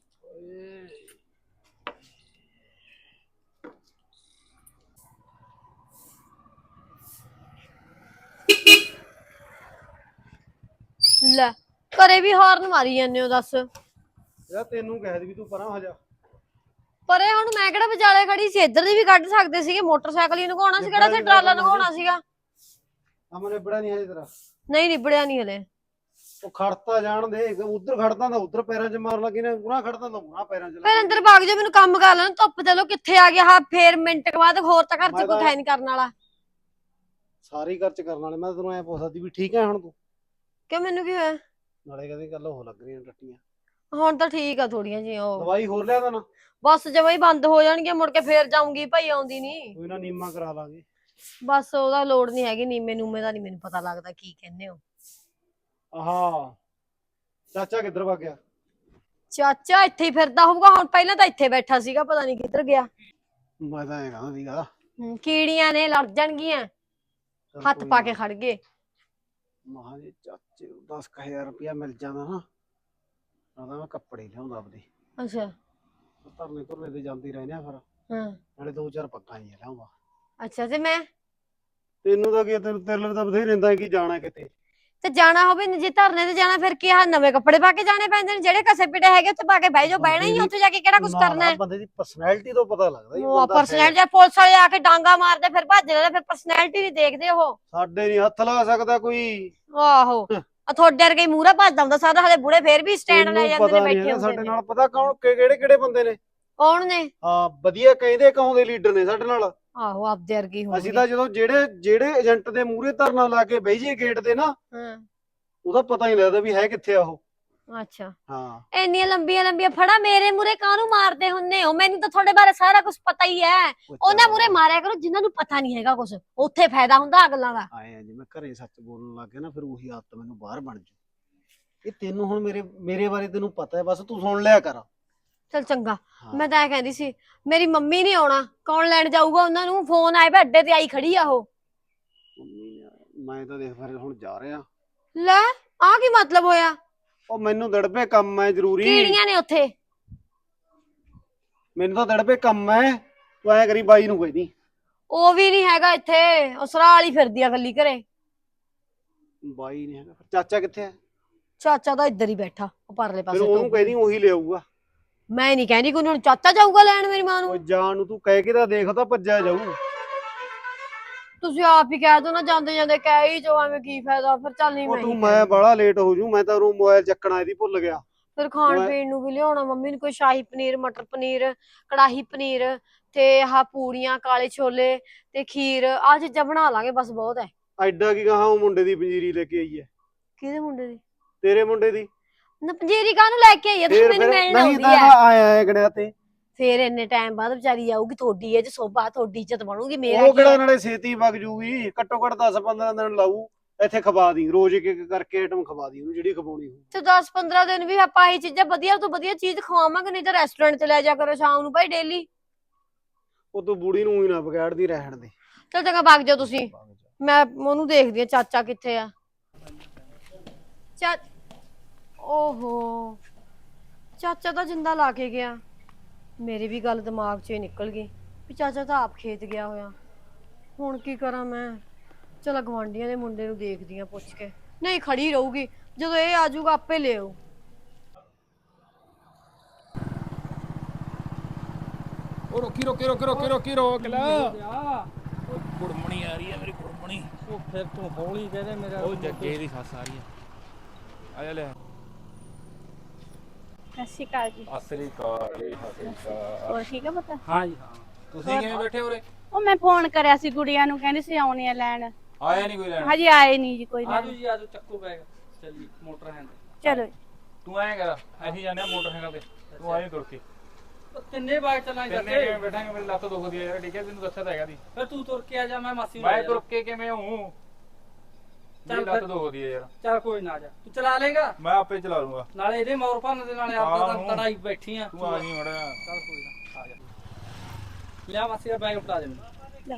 D: ਲੈ ਘਰੇ ਵੀ ਹਾਰਨ ਮਾਰੀ ਜਾਂਦੇ ਹੋ, ਦੱਸ।
E: ਯਾਰ ਤੈਨੂੰ ਕਹਿ ਦੀ ਵੀ ਤੂੰ ਪਰਾਂ ਹੋ ਜਾ।
D: ਪਰੇ ਹੁਣ ਮੈਂ ਕਿਹੜਾ ਵਿਚਾਲੇ ਖੜੀ ਸੀ, ਇੱਧਰ ਦੀ ਵੀ ਕੱਢ ਸਕਦੇ ਸੀਗੇ, ਮੋਟਰਸਾਈਕਲ ਹੀ ਲੰਘਾਉਣਾ ਸੀ, ਕਿਹੜਾ ਇੱਥੇ ਟਰਾਲਾ ਲੰਘਾਉਣਾ ਸੀਗਾ।
E: ਅਮਨੇ ਬੜਾ ਨਹੀਂ ਹਜੇ ਤੇਰਾ।
D: ਨਹੀਂ ਨਿਬੜਿਆ ਨਹੀਂ ਹਲੇ।
E: ਉਹ ਖੜਤਾ ਜਾਣ ਦੇ, ਉਧਰ ਖੜਦਾ ਤਾਂ ਉਧਰ ਪੈਰਾਂ 'ਚ ਮਾਰ ਲੱਗੀ ਨੇ, ਉਰਾਂ ਖੜਦਾ ਤਾਂ ਉਰਾਂ ਪੈਰਾਂ 'ਚ
D: ਫਿਰ ਅੰਦਰ ਭਾਗ ਜਾ, ਮੈਨੂੰ ਕੰਮ ਕਰ ਲੈਣ, ਧੁੱਪ ਚਲੋ ਕਿੱਥੇ ਆ ਗਿਆ। ਹਾਂ ਫੇਰ ਮਿੰਟ ਕੁ ਬਾਅਦ ਹੋਰ ਤਾਂ ਘਰ ਚ ਕੋਈ ਹੈ ਨਹੀਂ ਕਰਨ ਵਾਲਾ।
E: ਸਾਰੀ ਘਰ 'ਚ ਕਰਨ ਵਾਲੇ। ਮੈਂ ਤੈਨੂੰ ਐ ਪੁੱਛਦੀ ਵੀ ਠੀਕ ਹੈ ਹੁਣ ਤੂੰ?
D: ਕਿਉਂ ਮੈਨੂੰ ਕੀ ਹੋਇਆ?
E: ਨਾਲੇ ਕਹਿੰਦੇ ਗੱਲ ਉਹ ਲੱਗ ਰਹੀਆਂ ਟੱਟੀਆਂ।
D: ਹੁਣ ਤਾਂ ਠੀਕ ਆ ਥੋੜੀਆਂ ਜਿਹੀਆਂ। ਉਹ
E: ਦਵਾਈ ਹੋਰ ਲਿਆ ਤਾਂ ਨਾ?
D: ਬਸ ਜਮਾਂ ਹੀ ਬੰਦ ਹੋ ਜਾਣਗੇ, ਮੁੜ ਕੇ ਫੇਰ ਜਾਊਂਗੀ ਭਾਈ, ਆਉਂਦੀ ਨਹੀਂ।
E: ਕੋਈ ਨਾ ਨੀਮਾ ਕਰਾ ਲਾਂਗੇ।
D: ਬਸ ਉਹਦਾ ਲੋੜ ਨਹੀਂ ਹੈਗੀ, ਨੀਮੇ ਨੂਮੇ ਦਾ ਨਹੀਂ ਮੈਨੂੰ ਪਤਾ ਲੱਗਦਾ ਕੀ ਕਹਿੰਦੇ ਹੋ।
E: ਆਹਾ ਚਾਚਾ ਕਿੱਧਰ ਵਗ ਗਿਆ?
D: ਚਾਚਾ ਇੱਥੇ ਹੀ ਫਿਰਦਾ ਹੋਊਗਾ, ਹੁਣ ਪਹਿਲਾਂ ਤਾਂ ਇੱਥੇ ਬੈਠਾ ਸੀਗਾ, ਪਤਾ ਨਹੀਂ ਕਿੱਧਰ ਗਿਆ।
E: ਮੈਂ ਤਾਂ ਐ ਕਹਿੰਦਾ ਸੀਗਾ
D: ਕੀੜੀਆਂ ਨੇ ਲੜ ਜਾਣਗੀਆਂ, ਹੱਥ ਪਾ ਕੇ ਖੜ ਗਏ।
E: ਮਹਾਂ ਜੀ ਚਾਚੇ 10,000 ਰੁਪਇਆ ਮਿਲ ਜਾਂਦਾ ਨਾ, ਤਾਂ ਮੈਂ ਕੱਪੜੇ ਲਿਆਉਂਦਾ ਆਪਦੇ।
D: ਅੱਛਾ
E: ਧਰਨੇ ਧੁਰਨੇ ਤੇ ਜਾਂਦੀ ਰਹਿੰਦੇ ਆ ਫਿਰ,
D: ਹਾਂ
E: ਨਾਲੇ 2-4 ਪੱਗਾਂ ਹੀ ਲਿਆਉਂਦਾ।
D: ਅੱਛਾ ਤੇ ਮੈਂ
E: ਤੈਨੂੰ ਤਾਂ ਕੀ, ਤੇਰੇ ਲਈ ਤਾਂ ਬਥੇਰੇ ਰਹਿੰਦਾ ਕਿ ਜਾਣਾ ਕਿਤੇ।
D: ਤੇ ਜਾਣਾ ਹੋਵੇ ਜੇ ਧਰਨੇ ਤੇ ਜਾਣਾ, ਫਿਰ ਕੀ ਆ ਨਵੇਂ ਕੱਪੜੇ ਪਾ ਕੇ ਜਾਣੇ ਪੈਂਦੇ ਨੇ? ਜਿਹੜੇ ਕਸੇ ਪਿਟੇ ਹੈਗੇ ਉੱਥੇ ਪਾ ਕੇ ਬਹਿ ਜਾਓ, ਬਹਿਣਾ ਹੀ ਉੱਥੇ ਜਾ ਕੇ ਕਿਹੜਾ ਕੁਝ ਕਰਨਾ ਹੈ।
E: ਬੰਦੇ ਦੀ ਪਰਸਨੈਲਿਟੀ ਤੋਂ ਪਤਾ ਲੱਗਦਾ ਜੀ।
D: ਉਹ ਪਰਸਨੈਲਿਟੀ ਜੇ ਪੁਲਿਸ ਵਾਲੇ ਆ ਕੇ ਡਾਂਗਾ ਮਾਰਦੇ ਫਿਰ ਭੱਜ ਲੈਂਦੇ, ਫਿਰ ਪਰਸਨੈਲਿਟੀ ਨਹੀਂ ਦੇਖਦੇ ਉਹ।
E: ਸਾਡੇ ਨਹੀਂ ਹੱਥ ਲਾ ਸਕਦਾ ਕੋਈ।
D: ਆਹੋ ਆ ਤੁਹਾਡੇ ਵਰਗੇ ਮੂਹਰਾ ਭੱਜਦਾ ਹੁੰਦਾ ਸਾਰਾ, ਹਲੇ ਬੁੜੇ ਫੇਰ ਵੀ ਸਟੈਂਡ ਲੈ ਜਾਂਦੇ ਨੇ, ਬੈਠੇ ਹੁੰਦੇ
E: ਸਾਡੇ
D: ਨੇ।
E: ਨਾਲ ਪਤਾ ਕੌਣ ਕਿਹੜੇ ਕਿਹੜੇ ਬੰਦੇ ਨੇ?
D: ਕੌਣ ਨੇ?
E: ਹਾਂ ਵਧੀਆ ਕਹਿੰਦੇ ਕਹਾਉਂਦੇ ਲੀਡਰ ਨੇ ਸਾਡੇ ਨਾਲ।
D: ਆਹੋ ਆਪਦੇ ਵਰਗੇ ਹੀ
E: ਅਸੀਂ
D: ਹੋਣਗੇ।
E: ਤਾਂ ਜਦੋਂ ਜਿਹੜੇ ਏਜੰਟ ਦੇ ਮੂਹਰੇ ਧਰਨਾ ਲਾ ਕੇ ਬਹਿ ਜਾਈਏ ਗੇਟ ਤੇ ਨਾ,
D: ਹਾਂ
E: ਉਹਦਾ ਪਤਾ ਨਹੀਂ ਲੱਗਦਾ ਵੀ ਹੈ ਕਿੱਥੇ ਆ ਉਹ।
D: ਅੱਛਾ
E: ਹਾਂ
D: ਇੰਨੀਆਂ ਲੰਬੀਆਂ ਲੰਬੀਆਂ ਫੜਾ ਮੇਰੇ ਮੂਹਰੇ ਕਾਹਨੂੰ ਮਾਰਦੇ ਹੁੰਨੇ ਹੋ? ਮੈਨੂੰ ਤਾਂ ਤੁਹਾਡੇ ਬਾਰੇ ਸਾਰਾ ਕੁਝ ਪਤਾ ਹੀ ਹੈ। ਉਹਨਾਂ ਮੂਹਰੇ ਮਾਰਿਆ ਕਰੋ ਜਿਨ੍ਹਾਂ ਨੂੰ ਪਤਾ ਨਹੀਂ ਹੈਗਾ ਕੁਝ, ਉੱਥੇ ਫਾਇਦਾ ਹੁੰਦਾ ਅਗਲਾਂ ਦਾ।
E: ਆਏ ਜੇ ਮੈਂ ਘਰੇ ਸੱਚ ਬੋਲਣ ਲੱਗ ਗਿਆ ਨਾ, ਫਿਰ ਉਹੀ ਆਦਤ ਮੈਨੂੰ ਬਾਹਰ ਬਣ ਜੂ। ਇਹ ਤੈਨੂੰ ਹੁਣ ਮੇਰੇ ਬਾਰੇ ਤੈਨੂੰ ਪਤਾ ਹੈ, ਬਸ ਤੂੰ ਸੁਣ ਲਿਆ ਕਰ।
D: ਚਲ ਚੰਗਾ।
E: ਹਾਂ।
D: ਮੈਂ ਤਾਂ ਇਹ ਕਹਿੰਦੀ ਸੀ, ਮੇਰੀ ਮੰਮੀ ਨਹੀਂ ਆਉਣਾ, ਕੌਣ ਲੈਣ ਜਾਊਗਾ ਉਹਨਾਂ ਨੂੰ? ਫੋਨ ਆਏ ਵੇ ਅੱਡੇ ਤੇ ਆਈ ਖੜੀ ਆ ਉਹ।
E: ਮੈਂ ਤਾਂ ਦੇਖ ਫਿਰ ਹੁਣ ਜਾ ਰਿਹਾ।
D: ਲੈ ਆਹ ਕੀ ਮਤਲਬ ਹੋਇਆ?
E: ਉਹ ਮੈਨੂੰ ਦੜਪੇ ਕੰਮ ਹੈ ਜ਼ਰੂਰੀ।
D: ਕੀੜੀਆਂ ਨੇ ਉੱਥੇ।
E: ਮੈਨੂੰ ਤਾਂ ਦੜਪੇ ਕੰਮ ਹੈ, ਤੂੰ ਐ ਕਰੀ ਬਾਈ ਨੂੰ ਕੋਈ ਨਹੀਂ।
D: ਉਹ ਵੀ ਨਹੀਂ ਹੈਗਾ ਇੱਥੇ, ਉਹ ਸਰਾ ਵਾਲੀ ਫਿਰਦੀ ਆ ਗੱਲੀ ਘਰੇ।
E: ਬਾਈ ਨਹੀਂ ਹੈਗਾ, ਚਾਚਾ ਕਿੱਥੇ ਹੈ?
D: ਚਾਚਾ ਤਾਂ ਇੱਧਰ ਹੀ ਬੈਠਾ, ਉਹ ਪਰਲੇ
E: ਫਿਰ
D: ਪਾਸੇ।
E: ਉਹਨੂੰ ਕਹਿਦੀ ਉਹੀ ਲਿਆਊਗਾ।
D: ਮੈਂ ਨਹੀਂ ਕਹਿੰਦੀ ਕੋਈ, ਹੁਣ ਚਾਚਾ ਜਾਊਗਾ ਲੈਣ ਮੇਰੀ ਮਾਂ
E: ਉਹ
D: ਨੂੰ।
E: ਜਾਣ ਨੂੰ ਤੂੰ ਕਹਿ ਕੇ ਤਾਂ ਦੇਖ, ਤਾਂ ਭੱਜਿਆ ਜਾਊ।
D: ਤੁਸੀਂ ਆਪ ਹੀ ਕਹਿ ਦੋ ਨਾ, ਜਾਂਦੇ ਜਾਂਦੇ ਕਹਿ ਹੀ ਜੋ, ਐਵੇਂ ਕੀ ਫਾਇਦਾ ਫਿਰ। ਚੱਲ ਨਹੀਂ
E: ਉਹ
D: ਮੈਂ
E: ਤੂੰ ਮੈਂ ਬੜਾ ਲੇਟ ਹੋ ਜੂ, ਮੈਂ ਤਾਂ ਉਹ ਮੋਬਾਈਲ ਚੱਕਣਾ ਇਹਦੀ ਭੁੱਲ ਗਿਆ।
D: ਫਿਰ ਖਾਣ ਪੀਣ ਨੂੰ ਵੀ ਲਿਆਉਣਾ ਮੰਮੀ ਨੂੰ, ਕੋਈ ਸ਼ਾਹੀ ਪਨੀਰ, ਮਟਰ ਪਨੀਰ, ਕੜਾਹੀ ਪਨੀਰ ਤੇ ਆਹ ਪੂੜੀਆਂ, ਕਾਲੇ ਛੋਲੇ ਤੇ ਖੀਰ, ਆਹ ਚੀਜ਼ਾਂ ਬਣਾ ਲਾਂਗੇ ਬਸ, ਬਹੁਤ ਹੈ।
E: ਐਡਾ ਕੀ ਕਹਾ, ਉਹ ਮੁੰਡੇ ਦੀ ਪੰਜੀਰੀ ਲੈ ਕੇ ਆਈ ਹੈ।
D: ਕਿਹਦੇ ਮੁੰਡੇ ਦੀ?
E: ਤੇਰੇ ਮੁੰਡੇ ਦੀ।
D: ਨਾ ਪੰਜੀਰੀ ਕਾਹਨੂੰ ਲੈ ਕੇ ਆਈ ਆ? ਤੁਸੀਂ ਮੈਨੂੰ ਮਿਲਣ
E: ਨਹੀਂ
D: ਆਉਂਦੀ
E: ਤਾਂ
D: ਆ।
E: ਆਇਆ ਗੜਿਆ ਤੇ
D: ਫੇਰ ਇੰਨੇ ਟਾਈਮ ਬਾਅਦ ਵਿਚਾਰੀ ਆਊਗੀ, ਤੁਹਾਡੀ ਇਹ ਚ ਸੋਭਾ, ਤੁਹਾਡੀ ਇੱਜ਼ਤ ਬਣੂਗੀ। ਮੇਰਾ
E: ਉਹ
D: ਕੀ
E: ਕਿਹੜਾ
D: ਹੈ?
E: ਨਾਲੇ ਛੇਤੀ ਵਗ ਜੂਗੀ, ਘੱਟੋ ਘੱਟ 10-15 ਦਿਨ ਲਾਊ। ਇੱਥੇ ਖਵਾ ਦੀ ਰੋਜ਼ ਇੱਕ ਇੱਕ ਕਰਕੇ ਆਈਟਮ ਖਵਾ ਦੀ ਉਹਨੂੰ ਜਿਹੜੀ ਖਵਾਉਣੀ ਹੋਊ।
D: ਤੇ 10-15 ਦਿਨ ਵੀ ਆਪਾਂ ਇਹ ਚੀਜ਼ਾਂ ਵਧੀਆ ਤੋਂ ਵਧੀਆ ਚੀਜ਼ ਖਵਾਵਾਂਗੇ, ਨਹੀਂ ਤਾਂ ਰੈਸਟੋਰੈਂਟ 'ਚ ਲੈ ਜਾ ਕਰੋ ਸ਼ਾਮ ਨੂੰ ਭਾਈ ਡੇਲੀ।
E: ਉਹ ਤੂੰ ਬੁੜੀ ਨੂੰ ਹੀ ਨਾ ਵਿਗਾੜਦੀ ਰਹਿਣ ਦੇ।
D: ਚਲ ਚੰਗਾ ਭੱਗ ਜਾਓ ਤੁਸੀਂ, ਮੈਂ ਉਹਨੂੰ ਦੇਖਦੀ ਆ ਚਾਚਾ ਕਿੱਥੇ ਆ। ਓਹੋ ਚਾਚਾ ਤਾਂ ਜਿੰਦਾ ਲਾ ਕੇ ਗਿਆ। ਮੇਰੀ ਵੀ ਗੱਲ ਦਿਮਾਗ 'ਚੋਂ ਹੀ ਨਿਕਲ ਗਈ ਵੀ ਚਾਚਾ ਤਾਂ ਆਪ ਖੇਤ ਗਿਆ ਹੋਇਆ। ਹੁਣ ਕੀ ਕਰਾਂ ਮੈਂ? ਚਲ ਗਵਾਂਢੀਆਂ ਦੇ ਮੁੰਡੇ ਨੂੰ ਦੇਖਦੀ ਆ ਪੁੱਛ ਕੇ। ਨਹੀਂ ਖੜੀ ਰਹੂਗੀ, ਜਦੋਂ ਇਹ ਆ ਜਾਊਗਾ ਆਪੇ ਲੈ ਆਊ।
C: ਉਹ ਰੋਕ ਲਾ। ਕੁੜਮਣੀ ਆ ਰਹੀ ਹੈ ਮੇਰੀ ਕੁੜਮਣੀ।
A: ਉਹ ਫਿਰ ਤੂੰ ਹੌਲੀ ਕਹਦੇ ਮੇਰਾ
C: ਉਹ ਜੱਗੇ ਦੀ ਸੱਸ ਆ ਰਹੀ ਹੈ। ਆ ਜਾ ਲੈ।
F: ਸਤਿ ਸ਼੍ਰੀ ਅਕਾਲ ਜੀ।
C: ਅਸਲੀ ਕਾਰ ਜੀ
F: ਹੋਰ ਠੀਕ ਆ ਪਤਾ?
A: ਹਾਂ ਜੀ ਹਾਂ।
C: ਤੁਸੀਂ ਕਿਵੇਂ ਬੈਠੇ ਉਰੇ?
F: ਉਹ ਮੈਂ ਫੋਨ ਕਰਿਆ ਸੀ ਗੁੜੀਆ ਨੂੰ, ਕਹਿੰਦੀ ਸੀ ਆਉਣੀ ਆ ਲੈਣ।
C: ਆਇਆ ਨਹੀਂ ਕੋਈ ਲੈਣ?
F: ਹਜੇ ਆਏ ਨਹੀਂ ਜੀ ਕੋਈ
A: ਆਜੋ
F: ਲੈਣ।
A: ਜੀ ਆਜੋ, ਚੱਕੋ ਬੈਗ ਚੱਲੀ ਮੋਟਰ ਹੈਂਡ।
F: ਚਲੋ
C: ਤੂੰ ਐਂ ਕਰ, ਅਸੀਂ ਜਾਂਦੇ ਆ ਮੋਟਰਸਾਈਕਲ ਤੇ, ਤੂੰ ਆਈ ਤੁਰ ਕੇ।
A: ਤਿੰਨੇ ਬਾਗ ਚੱਲਾਂਗੇ
C: ਕਿੰਨੇ
A: ਚਾਚੇ।
C: ਕਿਵੇਂ ਬੈਠਾਂਗੇ? ਮੇਰੀ ਲੱਤ ਦੁਖਦੀ ਆ ਯਾਰ। ਠੀਕ ਹੈ ਤੈਨੂੰ ਦੱਸਿਆ ਤਾਂ ਹੈਗਾ ਦੀ।
A: ਫਿਰ ਤੂੰ ਤੁਰ ਕੇ ਆ ਜਾ, ਮੈਂ ਮਾਸੀ ਨੂੰ
C: ਮੈਂ
A: ਲੈ
C: ਤੁਰ
A: ਜਾਣਾ।
C: ਕੇ ਕਿਵੇਂ ਹੂੰ? ਮੇਰੀ
A: ਚੱਲ
C: ਲੱਤ
A: ਫਿਰ।
C: ਦੁਖਦੀ ਆ ਯਾਰ।
A: ਚੱਲ ਕੋਈ ਨਾ, ਜਾ ਤੂੰ ਚਲਾ ਲੇਗਾ।
C: ਮੈਂ ਆਪੇ ਚਲਾ ਲੂੰਗਾ।
A: ਨਾਲੇ ਇਹਦੇ ਮੌਰ ਭੰਨ ਦੇ, ਨਾਲੇ ਆਪਦਾ
C: ਆਹੋ।
A: ਤਾਂ ਤੜਾਈ ਬੈਠੀ ਆ।
C: ਤੂੰ ਆ ਜੀ ਮੜਾ।
A: ਚੱਲ ਕੋਈ ਨਾ, ਆ ਜਾ। ਲਿਆ ਮਾਸੀ ਦਾ ਬੈਗ ਉਠਾ ਦੇ ਮੈਨੂੰ।
F: ਲਓ।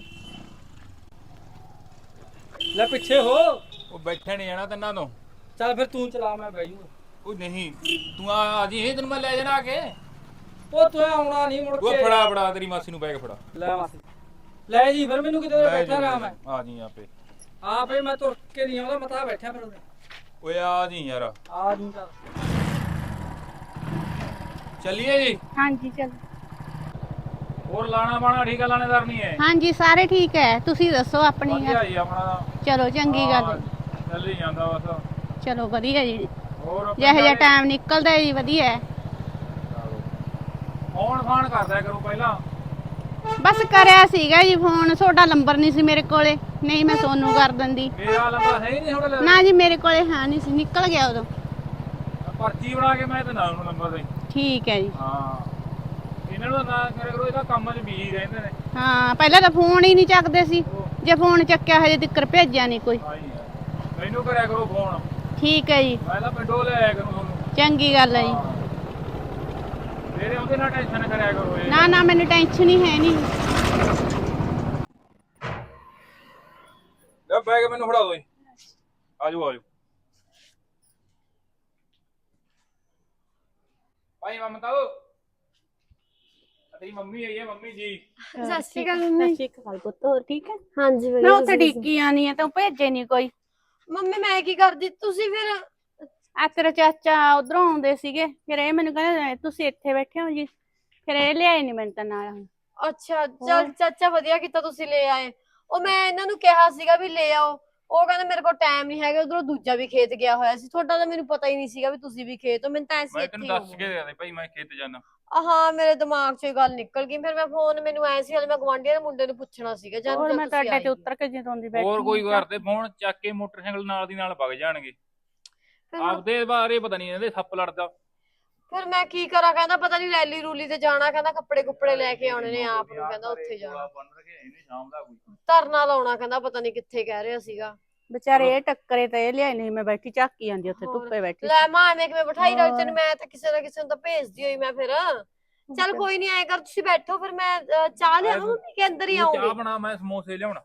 A: ਲੈ ਪਿੱਛੇ ਹੋ।
C: ਉਹ ਬੈਠੇ ਨਹੀਂ ਜਾਣਾ ਤੈਨਾਂ ਤੋਂ।
A: ਚੱਲ ਫਿਰ ਤੂੰ ਚਲਾ, ਮੈਂ ਬਹਿ ਜੂਗਾ।
C: ਉਹ ਨਹੀਂ, ਤੂੰ ਆ ਜੀ, ਤੈਨੂੰ ਮੈਂ ਲੈ ਜਾਣਾ ਆ ਕੇ।
A: ਉਹ ਤੂੰ ਆਉਣਾ ਨਹੀਂ ਮੁੜ
C: ਉਹ
A: ਕੇ।
C: ਫੜਾ ਤੇਰੀ ਮਾਸੀ ਨੂੰ ਬੈਗ ਫੜਾ।
A: ਲੈ ਮਾਸੀ ਲੈ ਜੀ, ਫਿਰ ਮੈਨੂੰ ਕਿਤੇ ਬੈਠਾ ਰਹਾ ਮੈਂ।
C: ਆ ਜੀ ਆਪੇ।
A: ਆਪੇ ਮੈਂ ਤੁਰ ਕੇ ਨਹੀਂ ਆਉਂਦਾ, ਮੈਂ ਤਾਂ ਬੈਠਾ ਫਿਰ ਉਹਦੇ।
C: ਓਏ ਆ ਜੀ ਯਾਰ।
A: ਆ ਜੂ ਚੱਲ।
C: ਚੱਲੀਏ ਜੀ।
F: ਹਾਂਜੀ ਚਲੋ।
C: ਹੋਰ ਲਾਣਾ ਬਾਣਾ ਠੀਕ ਆ? ਲਾਣੇਦਾਰ ਨਹੀਂ ਹੈ?
F: ਹਾਂਜੀ ਸਾਰੇ ਠੀਕ ਹੈ, ਤੁਸੀਂ ਦੱਸੋ ਆਪਣੀ
C: ਵਧੀਆ ਜੀ ਆਪਣਾ ਤਾਂ।
F: ਚਲੋ ਚੰਗੀ ਗੱਲ ਹੈ।
C: ਚੱਲੀ ਜਾਂਦਾ ਬਸ।
F: ਚਲੋ ਵਧੀਆ ਜੀ,
C: ਹੋਰ
F: ਜਿਹੋ ਜਿਹਾ ਟਾਈਮ ਨਿਕਲਦਾ ਜੀ ਵਧੀਆ ਹੈ।
C: ਫੋਨ ਫਾਨ ਕਰਦਾ ਕਰੋ ਪਹਿਲਾਂ।
F: ਬਸ ਕਰਿਆ ਸੀਗਾ ਜੀ ਫੋਨ, ਤੁਹਾਡਾ ਨੰਬਰ ਨਹੀਂ ਸੀ ਮੇਰੇ ਕੋਲੇ, ਨਹੀਂ ਮੈਂ ਸੋਨੂੰ ਕਰ ਦਿੰਦੀ।
C: ਮੇਰਾ ਨੰਬਰ ਹੈ ਹੀ ਨਹੀਂ ਤੁਹਾਡੇ
F: ਨਾ ਜੀ ਮੇਰੇ ਕੋਲੇ ਹੈ ਨਹੀਂ ਸੀ, ਨਿਕਲ ਗਿਆ ਉਦੋਂ।
C: ਪਰਚੀ ਬਣਾ ਕੇ ਮੈਂ ਤੇ ਨਾ ਉਹਨੂੰ ਨੰਬਰ ਦੇ।
F: ਠੀਕ ਹੈ ਜੀ।
C: ਹਾਂ ਇਹਨਾਂ ਨੂੰ ਨਾ ਕਰਿਆ ਕਰੋ, ਇਹਦਾ ਕੰਮ 'ਚ ਬਿਜੀ ਰਹਿੰਦੇ ਨੇ।
F: ਹਾਂ ਪਹਿਲਾਂ ਤਾਂ ਫੋਨ ਹੀ ਨਹੀਂ ਚੱਕਦੇ ਸੀ, ਜੇ ਫੋਨ ਚੱਕਿਆ ਹਜੇ ਤੱਕ ਭੇਜਿਆ ਨਹੀਂ ਕੋਈ।
C: ਆਈ ਹੈ, ਮੈਨੂੰ ਕਰਿਆ ਕਰੋ ਫੋਨ।
F: ਠੀਕ ਹੈ ਜੀ,
C: ਮੈਂ ਤਾਂ ਪਿੰਡੋਂ ਲੈ ਆਇਆ ਕਰੂੰ ਤੁਹਾਨੂੰ।
F: ਚੰਗੀ ਗੱਲ ਹੈ ਜੀ।
C: ਮੇਰੇ ਉਹਦੇ ਨਾਲ ਟੈਨਸ਼ਨ ਕਰਿਆ ਕਰੋ ਇਹ।
F: ਨਾ ਨਾ ਮੈਨੂੰ ਟੈਨਸ਼ਨ ਹੀ ਹੈ ਨਹੀਂ।
C: ਲੈ ਬੈਗ ਮੈਨੂੰ ਫੜਾ ਦਿਓ ਜੀ। ਆਜੋ ਭਾਈ ਮਮਤਾ ਤੇਰੀ ਮੰਮੀ ਆਈ ਹੈ, ਮੰਮੀ ਜੀ।
D: ਸਤਿ ਸ਼੍ਰੀ ਅਕਾਲ ਮੰਮੀ।
F: ਸਤਿ ਸ਼੍ਰੀ ਅਕਾਲ ਪੁੱਤ, ਹੋਰ ਠੀਕ ਹੈ?
D: ਹਾਂਜੀ
F: ਮੈਂ ਉੱਥੇ ਡਿੱਗੀ ਆਣੀ ਆ, ਤੂੰ ਭੇਜੇ ਨਹੀਂ ਕੋਈ।
D: ਮੰਮੀ ਮੈਂ ਕੀ ਕਰਦੀ, ਤੁਸੀਂ ਫਿਰ
F: ਆ ਤੇਰਾ ਚਾਚਾ ਉਧਰੋਂ ਆਉਂਦੇ ਸੀਗੇ, ਫਿਰ ਇਹ ਮੈਨੂੰ ਕਹਿੰਦੇ ਤੁਸੀਂ ਇੱਥੇ ਬੈਠੇ ਹੋ ਜੀ, ਫਿਰ ਇਹ ਲਿਆਏ ਨਹੀਂ ਮੈਨੂੰ ਤਾਂ ਨਾਲ।
D: ਅੱਛਾ ਚਲ ਚਾਚਾ ਵਧੀਆ ਕੀਤਾ ਤੁਸੀਂ ਲੈ ਆਏ। ਉਹ ਮੈਂ ਇਹਨਾਂ ਨੂੰ ਕਿਹਾ ਸੀਗਾ ਵੀ ਲੈ ਆਓ, ਉਹ ਕਹਿੰਦੇ ਮੇਰੇ ਕੋਲ ਟਾਈਮ ਨਹੀਂ ਹੈਗਾ, ਉਧਰੋਂ ਦੂਜਾ ਵੀ ਖੇਤ ਗਿਆ ਹੋਇਆ ਸੀ। ਤੁਹਾਡਾ ਤਾਂ ਮੈਨੂੰ ਪਤਾ ਹੀ ਨਹੀਂ ਸੀਗਾ ਵੀ ਤੁਸੀਂ ਵੀ ਖੇਤ ਹੋ, ਮੈਨੂੰ ਤਾਂ ਐਸੀ
C: ਮੈਂ
D: ਇੱਥੇ
C: ਤੈਨੂੰ
D: ਹੀ
C: ਦੱਸ ਕੇ ਗਿਆ ਭਾਈ ਮੈਂ ਖੇਤ ਜਾਣਾ।
D: ਹਾਂ ਮੇਰੇ ਦਿਮਾਗ 'ਚੋਂ ਇਹ ਗੱਲ ਨਿਕਲ ਗਈ। ਫਿਰ ਮੈਂ ਫੋਨ, ਮੈਨੂੰ ਐ ਸੀ ਹਲੇ ਮੈਂ ਗਵਾਂਢੀਆਂ ਦੇ ਮੁੰਡੇ ਨੂੰ ਪੁੱਛਣਾ ਸੀਗਾ ਜਦ
F: ਹੋਰ ਮੈਂ
D: ਤੁਸੀਂ
F: ਤੁਹਾਡੇ
D: ਆਏ।
F: ਤੇ ਉਤਰ ਕੇ ਜਦੋਂ ਦੀ ਬੈਠੀ
C: ਹੋਰ ਕੋਈ
F: ਹਾਂ।
C: ਕਰਦੇ ਫੋਨ ਚੱਕ ਕੇ ਮੋਟਰਸਾਈਕਲ ਨਾਲ ਦੀ ਨਾਲ ਵਗ ਜਾਣਗੇ।
D: ਫਿਰ
C: ਆਪਦੇ ਬਾਰੇ ਪਤਾ ਨਹੀਂ ਇਹਦੇ ਸੱਪ ਲੜਦਾ।
D: ਫਿਰ ਮੈਂ ਕੀ ਕਰਾਂ, ਕਹਿੰਦਾ ਪਤਾ ਨਹੀਂ ਰੈਲੀ ਰੂਲੀ ਤੇ ਜਾਣਾ, ਕਹਿੰਦਾ ਕੱਪੜੇ ਕੁੱਪੜੇ ਲੈ ਕੇ ਆਉਣੇ ਨੇ ਆਪ ਨੂੰ, ਕਹਿੰਦਾ ਉੱਥੇ ਜਾਣਾ,
C: ਬੰਨ ਕੇ ਇਹਨੇ ਸ਼ਾਮ ਦਾ ਕੋਈ।
D: ਧਰਨਾ ਲਾਉਣਾ, ਕਹਿੰਦਾ ਪਤਾ ਨਹੀਂ ਕਿੱਥੇ ਕਹਿ ਰਿਹਾ ਸੀਗਾ।
F: ਵਿਚਾਰੇ ਇਹ ਟੱਕਰੇ ਤੇ ਇਹ ਲਿਆਏ ਨਹੀਂ, ਮੈਂ ਬੈਠੀ ਝਾਕੀ ਜਾਂਦੀ ਉੱਥੇ
D: ਹੋਰ।
F: ਧੁੱਪੇ ਬੈਠੀ।
D: ਲੈ ਮਾਂ ਐਵੇਂ ਕਿਵੇਂ ਬਿਠਾਈ ਰੱਖ
F: ਹੋਰ।
D: ਤੈਨੂੰ, ਮੈਂ ਤਾਂ ਕਿਸੇ ਨਾ ਕਿਸੇ ਨੂੰ ਤਾਂ ਭੇਜਦੀ ਹੋਈ ਮੈਂ ਫਿਰ। ਚੱਲ ਕੋਈ ਨਹੀਂ, ਐ ਕਰ ਤੁਸੀਂ ਬੈਠੋ, ਫਿਰ ਮੈਂ ਚਾਹ ਲਿਆਵਾਂ ਮੰਮੀ ਕੇ ਅੰਦਰ ਹੀ
C: ਤੂੰ ਚਾਹ
D: ਆਉਂਗੀ।
C: ਬਣਾ, ਮੈਂ ਸਮੋਸੇ ਲਿਆਉਣਾ।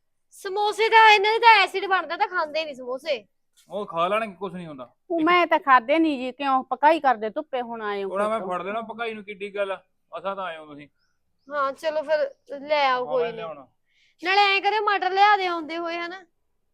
D: ਸਮੋਸੇ ਤਾਂ ਇਹਨਾਂ ਦੇ ਤਾਂ ਐਸਿਡ ਬਣਦਾ, ਤਾਂ ਖਾਂਦੇ ਨਹੀਂ ਸਮੋਸੇ।
C: ਉਹ ਖਾ ਲੈਣਗੇ, ਕੁਝ ਨਹੀਂ ਹੁੰਦਾ।
F: ਮੈਂ ਤਾਂ ਖਾਦੇ ਨਹੀਂ ਜੀ, ਕਿਉਂ ਪਕਾਈ ਕਰਦੇ ਧੁੱਪੇ ਹੁਣ ਆਏ ਹੋ।
C: ਉਹਨਾਂ ਮੈਂ ਫੜ ਲੈਣਾ ਪਕਾਈ ਨੂੰ, ਕਿੱਡੀ ਗੱਲ ਆ, ਅਸਾਂ ਤਾਂ ਆਏ ਹੋ ਤੁਸੀਂ।
D: ਹਾਂ ਚਲੋ ਫਿਰ ਲੈ ਆਓ
C: ਹਾਂ,
D: ਕੋਈ
C: ਮੈਂ
D: ਨਹੀਂ।
C: ਲਿਆਉਣਾ।
D: ਨਾਲੇ ਐ ਕਰਿਓ ਮਟਰ ਲਿਆ ਦੇ ਆਉਂਦੇ ਹੋਏ ਹਨਾ,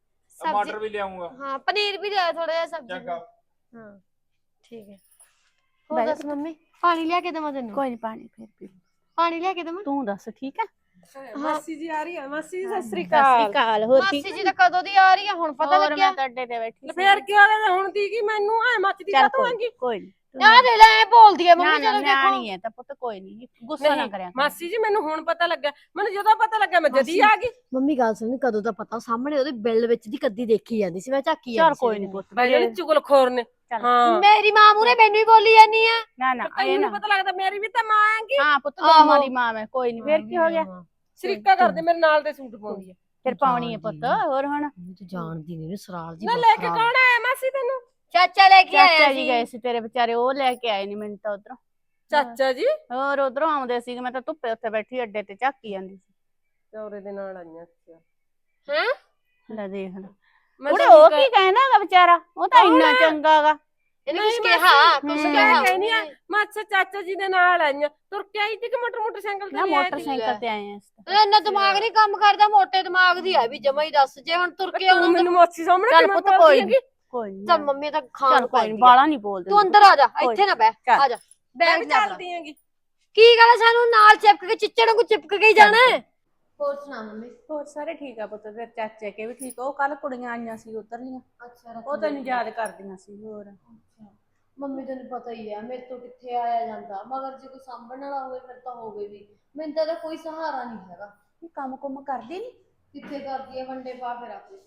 C: ਟਮਾਟਰ ਵੀ ਲਿਆਉਂਗਾ।
D: ਹਾਂ ਪਨੀਰ ਵੀ ਲਿਆ ਥੋੜਾ ਜਿਹਾ ਸਬਜ਼ੀ
C: ਚੰਗਾ।
D: ਹਾਂ ਠੀਕ ਹੈ। ਹੋਰ ਦੱਸ ਮੰਮੀ, ਪਾਣੀ ਲਿਆ ਕੇ ਦੇਵਾਂ ਤੈਨੂੰ?
F: ਕੋਈ ਨਹੀਂ, ਪਾਣੀ ਫਿਰ ਪੀ।
D: ਪਾਣੀ ਲਿਆ ਕੇ ਦੇਵਾਂ?
F: ਤੂੰ ਦੱਸ ਠੀਕ ਹੈ?
B: ਮਾਸੀ ਜੀ ਆ ਰਹੀ ਹੈ। ਮਾਸੀ ਜੀ ਸਤਿ ਸ੍ਰੀ
F: ਸਤਿ ਸ਼੍ਰੀ
B: ਅਕਾਲ।
F: ਅਕਾਲ, ਹੋਰ ਠੀਕ
D: ਮਾਸੀ ਜੀ ਤਾਂ ਕਦੋਂ ਦੀ ਆ ਰਹੀ ਆ, ਹੁਣ ਪਤਾ
F: ਹੋਰ
D: ਲੱਗਿਆ?
F: ਮੈਂ ਤੁਹਾਡੇ ਤੇ ਬੈਠੀ
B: ਫੇਰ ਕੀ ਹੋਇਆ ਹੁਣ ਦੀ ਕੀ ਮੈਨੂੰ ਐ ਮੱਚਦੀ
F: ਚੱਲ
B: ਕਾ ਆਂਗੀ।
F: ਕੋਈ ਨਹੀਂ।
D: ਆ ਦੇ ਲੈ, ਬੋਲਦੀ ਆ
F: ਨਾ
D: ਮੰਮੀ,
F: ਨਾ
D: ਚਲੋ ਦੇਖੋ।
F: ਨਿਆਣੀ ਹੈ ਤਾਂ ਪੁੱਤ, ਕੋਈ ਨਹੀਂ ਗੁੱਸਾ ਨਾ
B: ਨਹੀਂ,
F: ਕਰਿਆ ਕਰ।
B: ਮਾਸੀ ਜੀ ਮੈਨੂੰ ਹੁਣ ਪਤਾ ਲੱਗਾ, ਮੈਨੂੰ ਜਦੋਂ ਪਤਾ ਲੱਗਾ ਮੈਂ ਜਦੀ ਆ ਗਈ।
D: ਮੰਮੀ ਗੱਲ ਸੁਣ, ਕਦੋਂ ਦਾ ਪਤਾ, ਸਾਹਮਣੇ ਉਹਦੇ ਬਿੱਲ ਵਿੱਚ ਦੀ ਕੱਦੀ ਦੇਖੀ ਜਾਂਦੀ ਸੀ, ਮੈਂ ਝਾਕੀ
F: ਚੱਲ
D: ਜਾਂਦੀ ਸੀ।
F: ਕੋਈ ਨਹੀਂ ਪੁੱਤ,
B: ਬੈਲੇ ਚੁਗਲਖੋਰ ਨੇ।
F: ਚੱਲ।
B: ਹਾਂ
D: ਮੇਰੀ ਮਾਂ ਮੂਰੇ ਮੈਨੂੰ ਹੀ ਬੋਲੀ ਜਾਂਦੀ ਆ।
F: ਨਾ ਨਾ ਇਹ
B: ਤੈਨੂੰ
F: ਨਾ।
B: ਨੀ ਪਤਾ ਲੱਗਦਾ ਮੇਰੀ ਵੀ ਤਾਂ ਮਾਂ ਆਂਗੀ।
F: ਹਾਂ ਪੁੱਤ ਦੋਨਾਂ ਦੀ ਮਾਂ ਮੈਂ, ਕੋਈ ਨਹੀਂ, ਫਿਰ ਕੀ ਹੋ ਗਿਆ?
B: ਸ਼ਰੀਕਾ ਕਰਦੇ ਮੇਰੇ ਨਾਲ ਦੇ ਸੂਟ ਪਾਉਂਦੀ ਹੈ।
F: ਫਿਰ ਪਾਉਣੀ ਹੈ ਪੁੱਤ ਹੋਰ ਹੁਣ
D: ਮੈਂ ਤਾਂ ਜਾਣਦੀ ਨਹੀਂ ਸਰਾਲ ਜੀ
B: ਨਾ ਲੈ ਕੇ ਕੌਣ ਆਇਆ ਮਾਸੀ ਤੈਨੂੰ?
D: ਚਾਚਾ ਲੈ ਕੇ
F: ਚਾਚਾ
D: ਆਇਆ
F: ਜੀ
D: ਸੀ।
F: ਗਏ ਸੀ ਤੇਰੇ ਵਿਚਾਰੇ, ਉਹ ਲੈ ਕੇ ਆਏ ਨੀ ਮੈਨੂੰ ਤਾਂ ਉਧਰੋਂ।
B: ਚਾਚਾ ਜੀ
F: ਹੋਰ ਉਧਰੋਂ ਆਉਂਦੇ ਸੀਗੇ, ਮੈਂ ਤਾਂ ਧੁੱਪੇ ਉੱਥੇ ਬੈਠੀ ਅੱਡੇ ਤੇ ਝਾਕੀ ਜਾਂਦੀ ਸੀ।
B: ਚੌਰੇ ਦੇ ਨਾਲ ਆਈਆਂ ਸੀ।
F: ਲੈ ਦੇਖ ਲੈ
B: ਮੈਂ
F: ਉਹਦੇ
B: ਤਾਂ
F: ਉਹ ਕੀ ਕਹਿਣਾਗਾ ਵਿਚਾਰਾ, ਉਹ ਤਾਂ ਇੰਨਾ ਚੰਗਾਗਾ।
D: ਇਹਨੇ
B: ਨਹੀਂ
D: ਕੁਛ ਕਿਹਾ ਕੁਛ
F: ਹਮ।
D: ਕਿਹਾ
B: ਕਹਿੰਦੀ ਆ ਮੈਂ ਅੱਛਾ ਚਾਚਾ ਜੀ ਦੇ ਨਾਲ ਆਈਆਂ, ਤੁਰ ਕੇ ਆਈ ਸੀ ਕਿ ਮੋਟਰਸਾਈਕਲ
F: ਨਾ
B: ਤੇ ਆਈ ਸੀ?
F: ਮੋਟਰਸਾਈਕਲ ਤੇ ਆਏ ਆ।
D: ਇੰਨਾ ਦਿਮਾਗ ਨਹੀਂ ਕੰਮ ਕਰਦਾ, ਮੋਟੇ ਦਿਮਾਗ ਦੀ ਆ ਵੀ ਜਮਾ ਹੀ ਦੱਸ। ਜੇ ਹੁਣ ਤੁਰ ਕੇ
B: ਤੂੰ
D: ਆਉਣਾ
B: ਮੈਨੂੰ ਮਾਸੀ ਸਾਹਮਣੇ
F: ਚੱਲ
B: ਕਿਵੇਂ
F: ਪੁੱਤ
B: ਬੋਲਦੀ
F: ਕੋਈ
B: ਹੈਗੀ?
F: ਨੀ ਕੋਈ ਨੀ
D: ਤਾਂ ਮੰਮੀ ਤਾਂ ਖਾਣ
F: ਚੱਲ ਕੋਈ ਨੀ,
D: ਪਾਉਂਦੀ
F: ਬਾਲਾ ਨਹੀਂ ਬੋਲਦੇ।
D: ਤੂੰ ਅੰਦਰ ਆ ਜਾ,
F: ਕੋਈ
D: ਇੱਥੇ ਨਾ ਬਹਿ,
F: ਚੱਲ।
D: ਆ ਜਾ
B: ਮੈਂ
D: ਬੈਗ
B: ਵੀ
D: ਚੱਲ।
B: ਚੱਲਦੀ ਹੈਗੀ।
D: ਕੀ ਗੱਲ ਆ, ਸਾਨੂੰ ਨਾਲ ਚਿਪਕ ਕੇ ਚਿੱਚੜ ਨੂੰ ਚਿਪਕ ਕੇ ਹੀ ਜਾਣਾ ਹੈ। ਹੋਰ ਸੁਣਾ ਮੰਮੀ?
F: ਹੋਰ ਸਾਰੇ ਠੀਕ ਆ ਪੁੱਤ, ਫਿਰ ਚਾਚੇ ਕੇ ਵੀ ਠੀਕ ਆ। ਉਹ ਕੱਲ ਕੁੜੀਆਂ ਆਈਆਂ ਸੀ ਉਧਰਲੀਆਂ,
D: ਅੱਛਾ
F: ਉਹ ਤੈਨੂੰ ਯਾਦ ਕਰਦੀਆਂ ਸੀ। ਹੋਰ
D: ਮੰਮੀ ਤੈਨੂੰ ਪਤਾ ਹੀ ਆ ਮੇਰੇ ਤੋਂ ਕਿੱਥੇ ਆਇਆ ਜਾਂਦਾ, ਮਗਰ ਜੇ ਕੋਈ ਸਾਂਭਣ ਵਾਲਾ ਹੋਵੇ ਫਿਰ ਤਾਂ ਹੋਵੇ ਵੀ। ਮੈਨੂੰ ਤਾਂ ਇਹਦਾ ਕੋਈ ਸਹਾਰਾ ਨਹੀਂ ਹੈਗਾ।
F: ਇਹ ਕੰਮ ਕੁੰਮ ਕਰਦੀ ਨੀ?
D: ਕਿੱਥੇ ਕਰਦੀ ਹੈ ਵੰਡੇ ਪਾ ਫਿਰ ਆਪੇ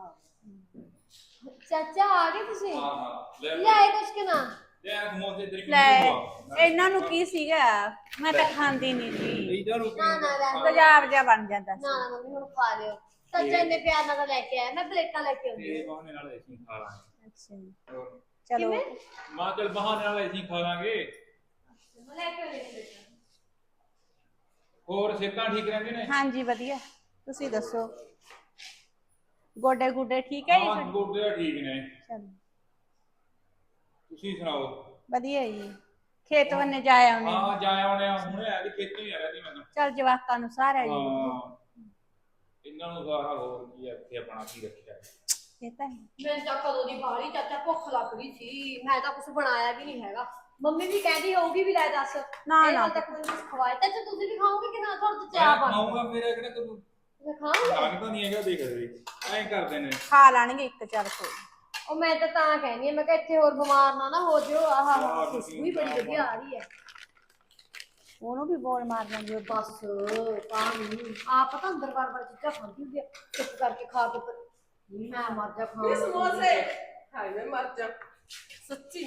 D: ਚਾਚਾ ਆ ਗਏ ਤੁਸੀਂ? ਲੈ ਆਏ ਕੁਛ ਕਿ ਨਾ?
F: ਲੈ ਇਹਨਾਂ ਨੂੰ ਕੀ ਸੀਗਾ, ਮੈਂ ਤਾਂ ਖਾਂਦੀ ਨਹੀਂ ਸੀ।
D: ਨਾ
F: ਤੇਜ਼ਾਬ ਜਿਹਾ ਬਣ ਜਾਂਦਾ ਸੀ।
D: ਨਾ ਮੰਮੀ ਹੁਣ ਖਾ ਲਿਓ। ਚਾਚਾ ਇੰਨੇ ਪਿਆਰ ਨਾਲ ਤਾਂ ਲੈ ਕੇ ਆਇਆ, ਮੈਂ ਪਲੇਟਾਂ ਲੈ ਕੇ ਆਉਂਦੀ ਹਾਂ।
F: ਅੱਛਾ ਜੀ। ਚਲੋ
C: ਮਾਂ ਚਲ ਬਹਾਨੇ ਨਾਲ ਅਸੀਂ ਖਾ ਲਾਂਗੇ।
D: ਮੈਂ ਲੈ ਕੇ ਆਉਂਦੀ ਹਾਂ ਪਲੇਟਾਂ।
C: ਹੋਰ ਸਿਹਤਾਂ ਠੀਕ ਰਹਿੰਦੇ ਨੇ?
F: ਹਾਂਜੀ ਵਧੀਆ, ਤੁਸੀਂ ਦੱਸੋ ਗੋਡੇ ਗੁੱਡੇ ਠੀਕ ਹੈ ਜੀ
C: ਹਾਂ
F: ਤੁਹਾਡੇ?
C: ਗੋਡੇ ਠੀਕ ਨੇ।
F: ਚਲੋ
C: ਤੁਸੀਂ ਸੁਣਾਓ?
F: ਵਧੀਆ ਜੀ, ਖੇਤ ਵੰਨੇ ਜਾ ਆਉਣੇ।
C: ਹਾਂ ਜਾ ਆਉਣੇ ਆ, ਹੁਣੇ ਆ ਕੇ ਖੇਤੋਂ ਹੀ ਆ ਰਿਹਾ ਸੀ ਮੈਂ ਤਾਂ।
F: ਚਲ ਜਵਾਕਾਂ ਨੂੰ ਸਾਰਾ ਜੀ।
C: ਹਾਂ ਇਹਨਾਂ ਨੂੰ ਸਾਰਾ ਹੋਰ ਕੀ ਇੱਥੇ ਆਪਣਾ ਕੀ ਰੱਖਿਆ।
F: ਇਹ ਤਾਂ ਹੈ।
D: ਮੈਨੂੰ ਤਾਂ ਕਦੋਂ ਦੀ ਬਾਹਲੀ ਚਾਚਾ ਭੁੱਖ ਲੱਗ ਰਹੀ ਸੀ, ਮੈਂ ਤਾਂ ਕੁਝ ਬਣਾਇਆ ਵੀ ਨਹੀਂ ਹੈਗਾ। ਮੰਮੀ ਵੀ ਕਹਿੰਦੀ ਹੋਊਗੀ ਵੀ ਲੈ ਦੱਸ
F: ਨਾ
D: ਇਹ
F: ਨਾ
D: ਹਾਲ ਤੱਕ ਕੁਝ ਖਵਾਇਆ। ਚਾਚਾ ਤੁਸੀਂ ਵੀ ਖਾਓਗੇ ਕਿ ਨਾ? ਤੁਹਾਡੇ ਤੋਂ ਚਾਹ ਬਣ
C: ਖਾਊਂਗਾ, ਮੇਰਾ ਕਿਹੜਾ ਤੂੰ
D: ਖਾਓਗੇ?
C: ਲੱਗਦਾ ਨਹੀਂ ਹੈਗਾ। ਦੇਖ ਐਂ ਕਰਦੇ ਨੇ।
F: ਖਾ ਲੈਣਗੇ ਇੱਕ, ਚੱਲ ਕੋਈ
D: ਉਹ ਮੈਂ ਤਾਂ ਕਹਿੰਦੀ ਆ, ਮੈਂ ਕਿਹਾ ਇੱਥੇ ਹੋਰ ਬਿਮਾਰ ਨਾ ਹੋ ਜਿਓ। ਆਹ ਖੁਸ਼ਬੂ ਹੀ ਬੜੀ ਵਧੀਆ ਆ ਰਹੀ ਹੈ।
F: ਉਹਨੂੰ ਵੀ ਬੋਲ ਮਾਰ ਜਾਂਦੀ ਉਹ।
D: ਬਸ ਤਾਂ ਨਹੀਂ ਆਪ ਪਤਾ ਅੰਦਰ ਬਾਰ ਚੀਜ਼ਾਂ ਖਾਂਦੀ ਹੁੰਦੀ ਆ, ਚੁੱਪ ਕਰਕੇ ਖਾ ਕੇ ਪਰ ਮੈਂ ਮਰ ਜਾ ਖਾਣ
B: ਇਹ ਸਮੋਸੇ ਹਾਏ ਮੈਂ ਮਰ ਜਾ ਸੱਚੀ।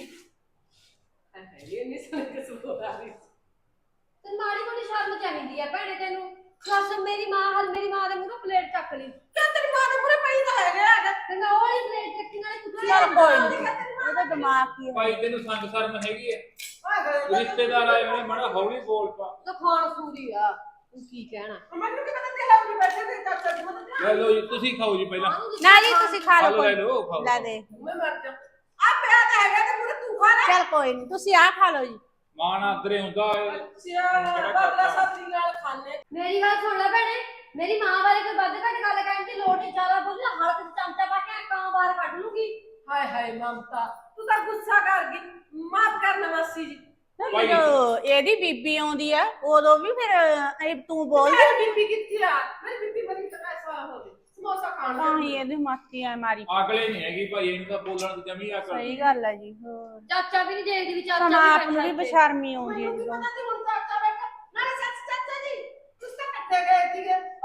B: ਹਾਏ ਇਹ ਨਹੀਂ ਸੁਣ ਕੇ ਸੁਣ ਆ ਰਹੀ।
D: ਤੇ ਮਾੜੀ ਮੋਟੀ ਸ਼ਰਮ ਚਾਹੀਦੀ ਆ ਭੈਣੇ ਤੈਨੂੰ। ਬਸ ਮੇਰੀ ਮਾਂ ਦੇ ਮੂੰਹੋਂ ਪਲੇਟ ਚੱਕ ਲਈ।
B: ਕਿਆ ਤੇਰੀ ਮਾਂ ਦੇ ਮੂਹਰੇ ਪਈ ਤਾਂ ਹੈਗਾ।
D: ਤੇ ਮੈਂ ਉਹ ਵਾਲੀ ਪਲੇਟ ਰੱਖੀ, ਨਾਲੇ ਤੂੰ
F: ਚੱਲ ਕੋਈ ਨਹੀਂ, ਉਹਦਾ ਦਿਮਾਗ ਕੀ ਹੈ।
C: ਭਾਈ ਤੈਨੂੰ ਸੰਗ ਸ਼ਰਮ ਹੈਗੀ ਹੈ? ਰਿਸ਼ਤੇਦਾਰ ਆਏ ਹੋਏ, ਮਾੜਾ ਹੌਲੀ ਬੋਲ ਪਾ।
D: ਤਾਂ ਖਾਣ ਸੂਰੀ ਆ, ਤੂੰ ਕੀ ਕਹਿਣਾ?
B: ਮੈਨੂੰ ਕੀ ਪਤਾ ਤੇਰਾ ਵੀ ਬੈਠੇ ਤੇ ਚਾਚਾ ਜੀ ਮਤਲਬ
C: ਲੈ ਲਓ ਜੀ, ਤੁਸੀਂ ਖਾਓ ਜੀ ਪਹਿਲਾਂ।
F: ਨਾ ਜੀ ਤੁਸੀਂ ਖਾ ਲਓ,
C: ਲੈ
F: ਕੋਈ
C: ਲਓ ਖਾਓ।
F: ਲੈ ਦੇ।
B: ਮੈਂ ਮਰ ਜਾ। ਆ ਪਿਆ ਤਾਂ ਹੈਗਾ ਤੇ ਮੂਹਰੇ ਤੂੰ ਖਾ ਲੈ।
F: ਚੱਲ ਕੋਈ ਨਹੀਂ, ਤੁਸੀਂ ਆਹ ਖਾ ਲਓ ਜੀ।
C: ਮਾਂ ਨਾਲ ਅੰਦਰੇ ਹੁੰਦਾ
B: ਅੱਛਾ ਬਦਲਾ ਸਬਜ਼ੀ ਨਾਲ ਖਾਣੇ।
D: ਮੇਰੀ ਗੱਲ ਸੁਣ ਲੈ ਭੈਣੇ, ਮੇਰੀ ਮਾਂ ਬਾਰੇ ਕੋਈ ਵੱਧ ਘੱਟ ਗੱਲ ਕਹਿਣ ਦੀ ਲੋੜ ਨਹੀਂ। ਜ਼ਿਆਦਾ ਬੋਲੀ ਹਲਕ ਚ ਚਮਚਾ ਪਾ ਕੇ ਕਾਂ ਬਾਹਰ ਕੱਢ ਲੂਗੀ।
B: ਹਾਏ ਹਾਏ ਮਮਤਾ ਤੂੰ ਤਾਂ ਗੁੱਸਾ ਕਰ ਗਈ। ਮਾਫ ਕਰਨਾ ਮਾਸੀ ਜੀ।
C: ਭਾਈ।
F: ਜਦੋਂ ਇਹਦੀ ਬੀਬੀ ਆਉਂਦੀ ਆ ਉਦੋਂ ਵੀ ਫਿਰ ਤੂੰ ਬੋਲਦੀ
B: ਮੇਰੀ ਬੀਬੀ ਕਿੱਥੇ ਆ? ਮੇਰੀ ਬੀਬੀ ਬੜੀ ਐਸਾ ਹੋਵੇ ਸਮੋਸਾ ਖਾਣ
F: ਤਾਂ ਹੀ ਇਹਦੀ ਮਾਤੀ ਆ ਮਾਰੀ।
C: ਅਗਲੇ ਨਹੀਂ ਹੈਗੀ ਭਾਈ, ਇਹਨੂੰ ਤਾਂ ਬੋਲਣ ਦੀ ਜਮੀ ਅਕਲ
F: ਸਹੀ ਗੱਲ ਹੈ ਜੀ। ਹੋਰ
D: ਚਾਚਾ ਵੀ ਨਹੀਂ ਦੇਖਦੀ ਵੀ ਚਾਚਾ
F: ਤਾਂ
D: ਵੀ
F: ਆਪ ਨੂੰ ਵੀ
D: ਬੈਠਾ ਇੱਥੇ।
F: ਬੇਸ਼ਰਮੀ ਆਉਂਦੀ ਹੈ
B: ਮੈਨੂੰ ਕੀ
F: ਜਦੋਂ।
B: ਪਤਾ ਸੀ ਹੁਣ ਚਾਚਾ ਬੈਠਾ ਨਾਲੇ ਸੱਚ ਚਾਚਾ ਜੀ ਤੁਸੀਂ ਤਾਂ ਇਕੱਠੇ ਗਏ ਸੀਗੇ।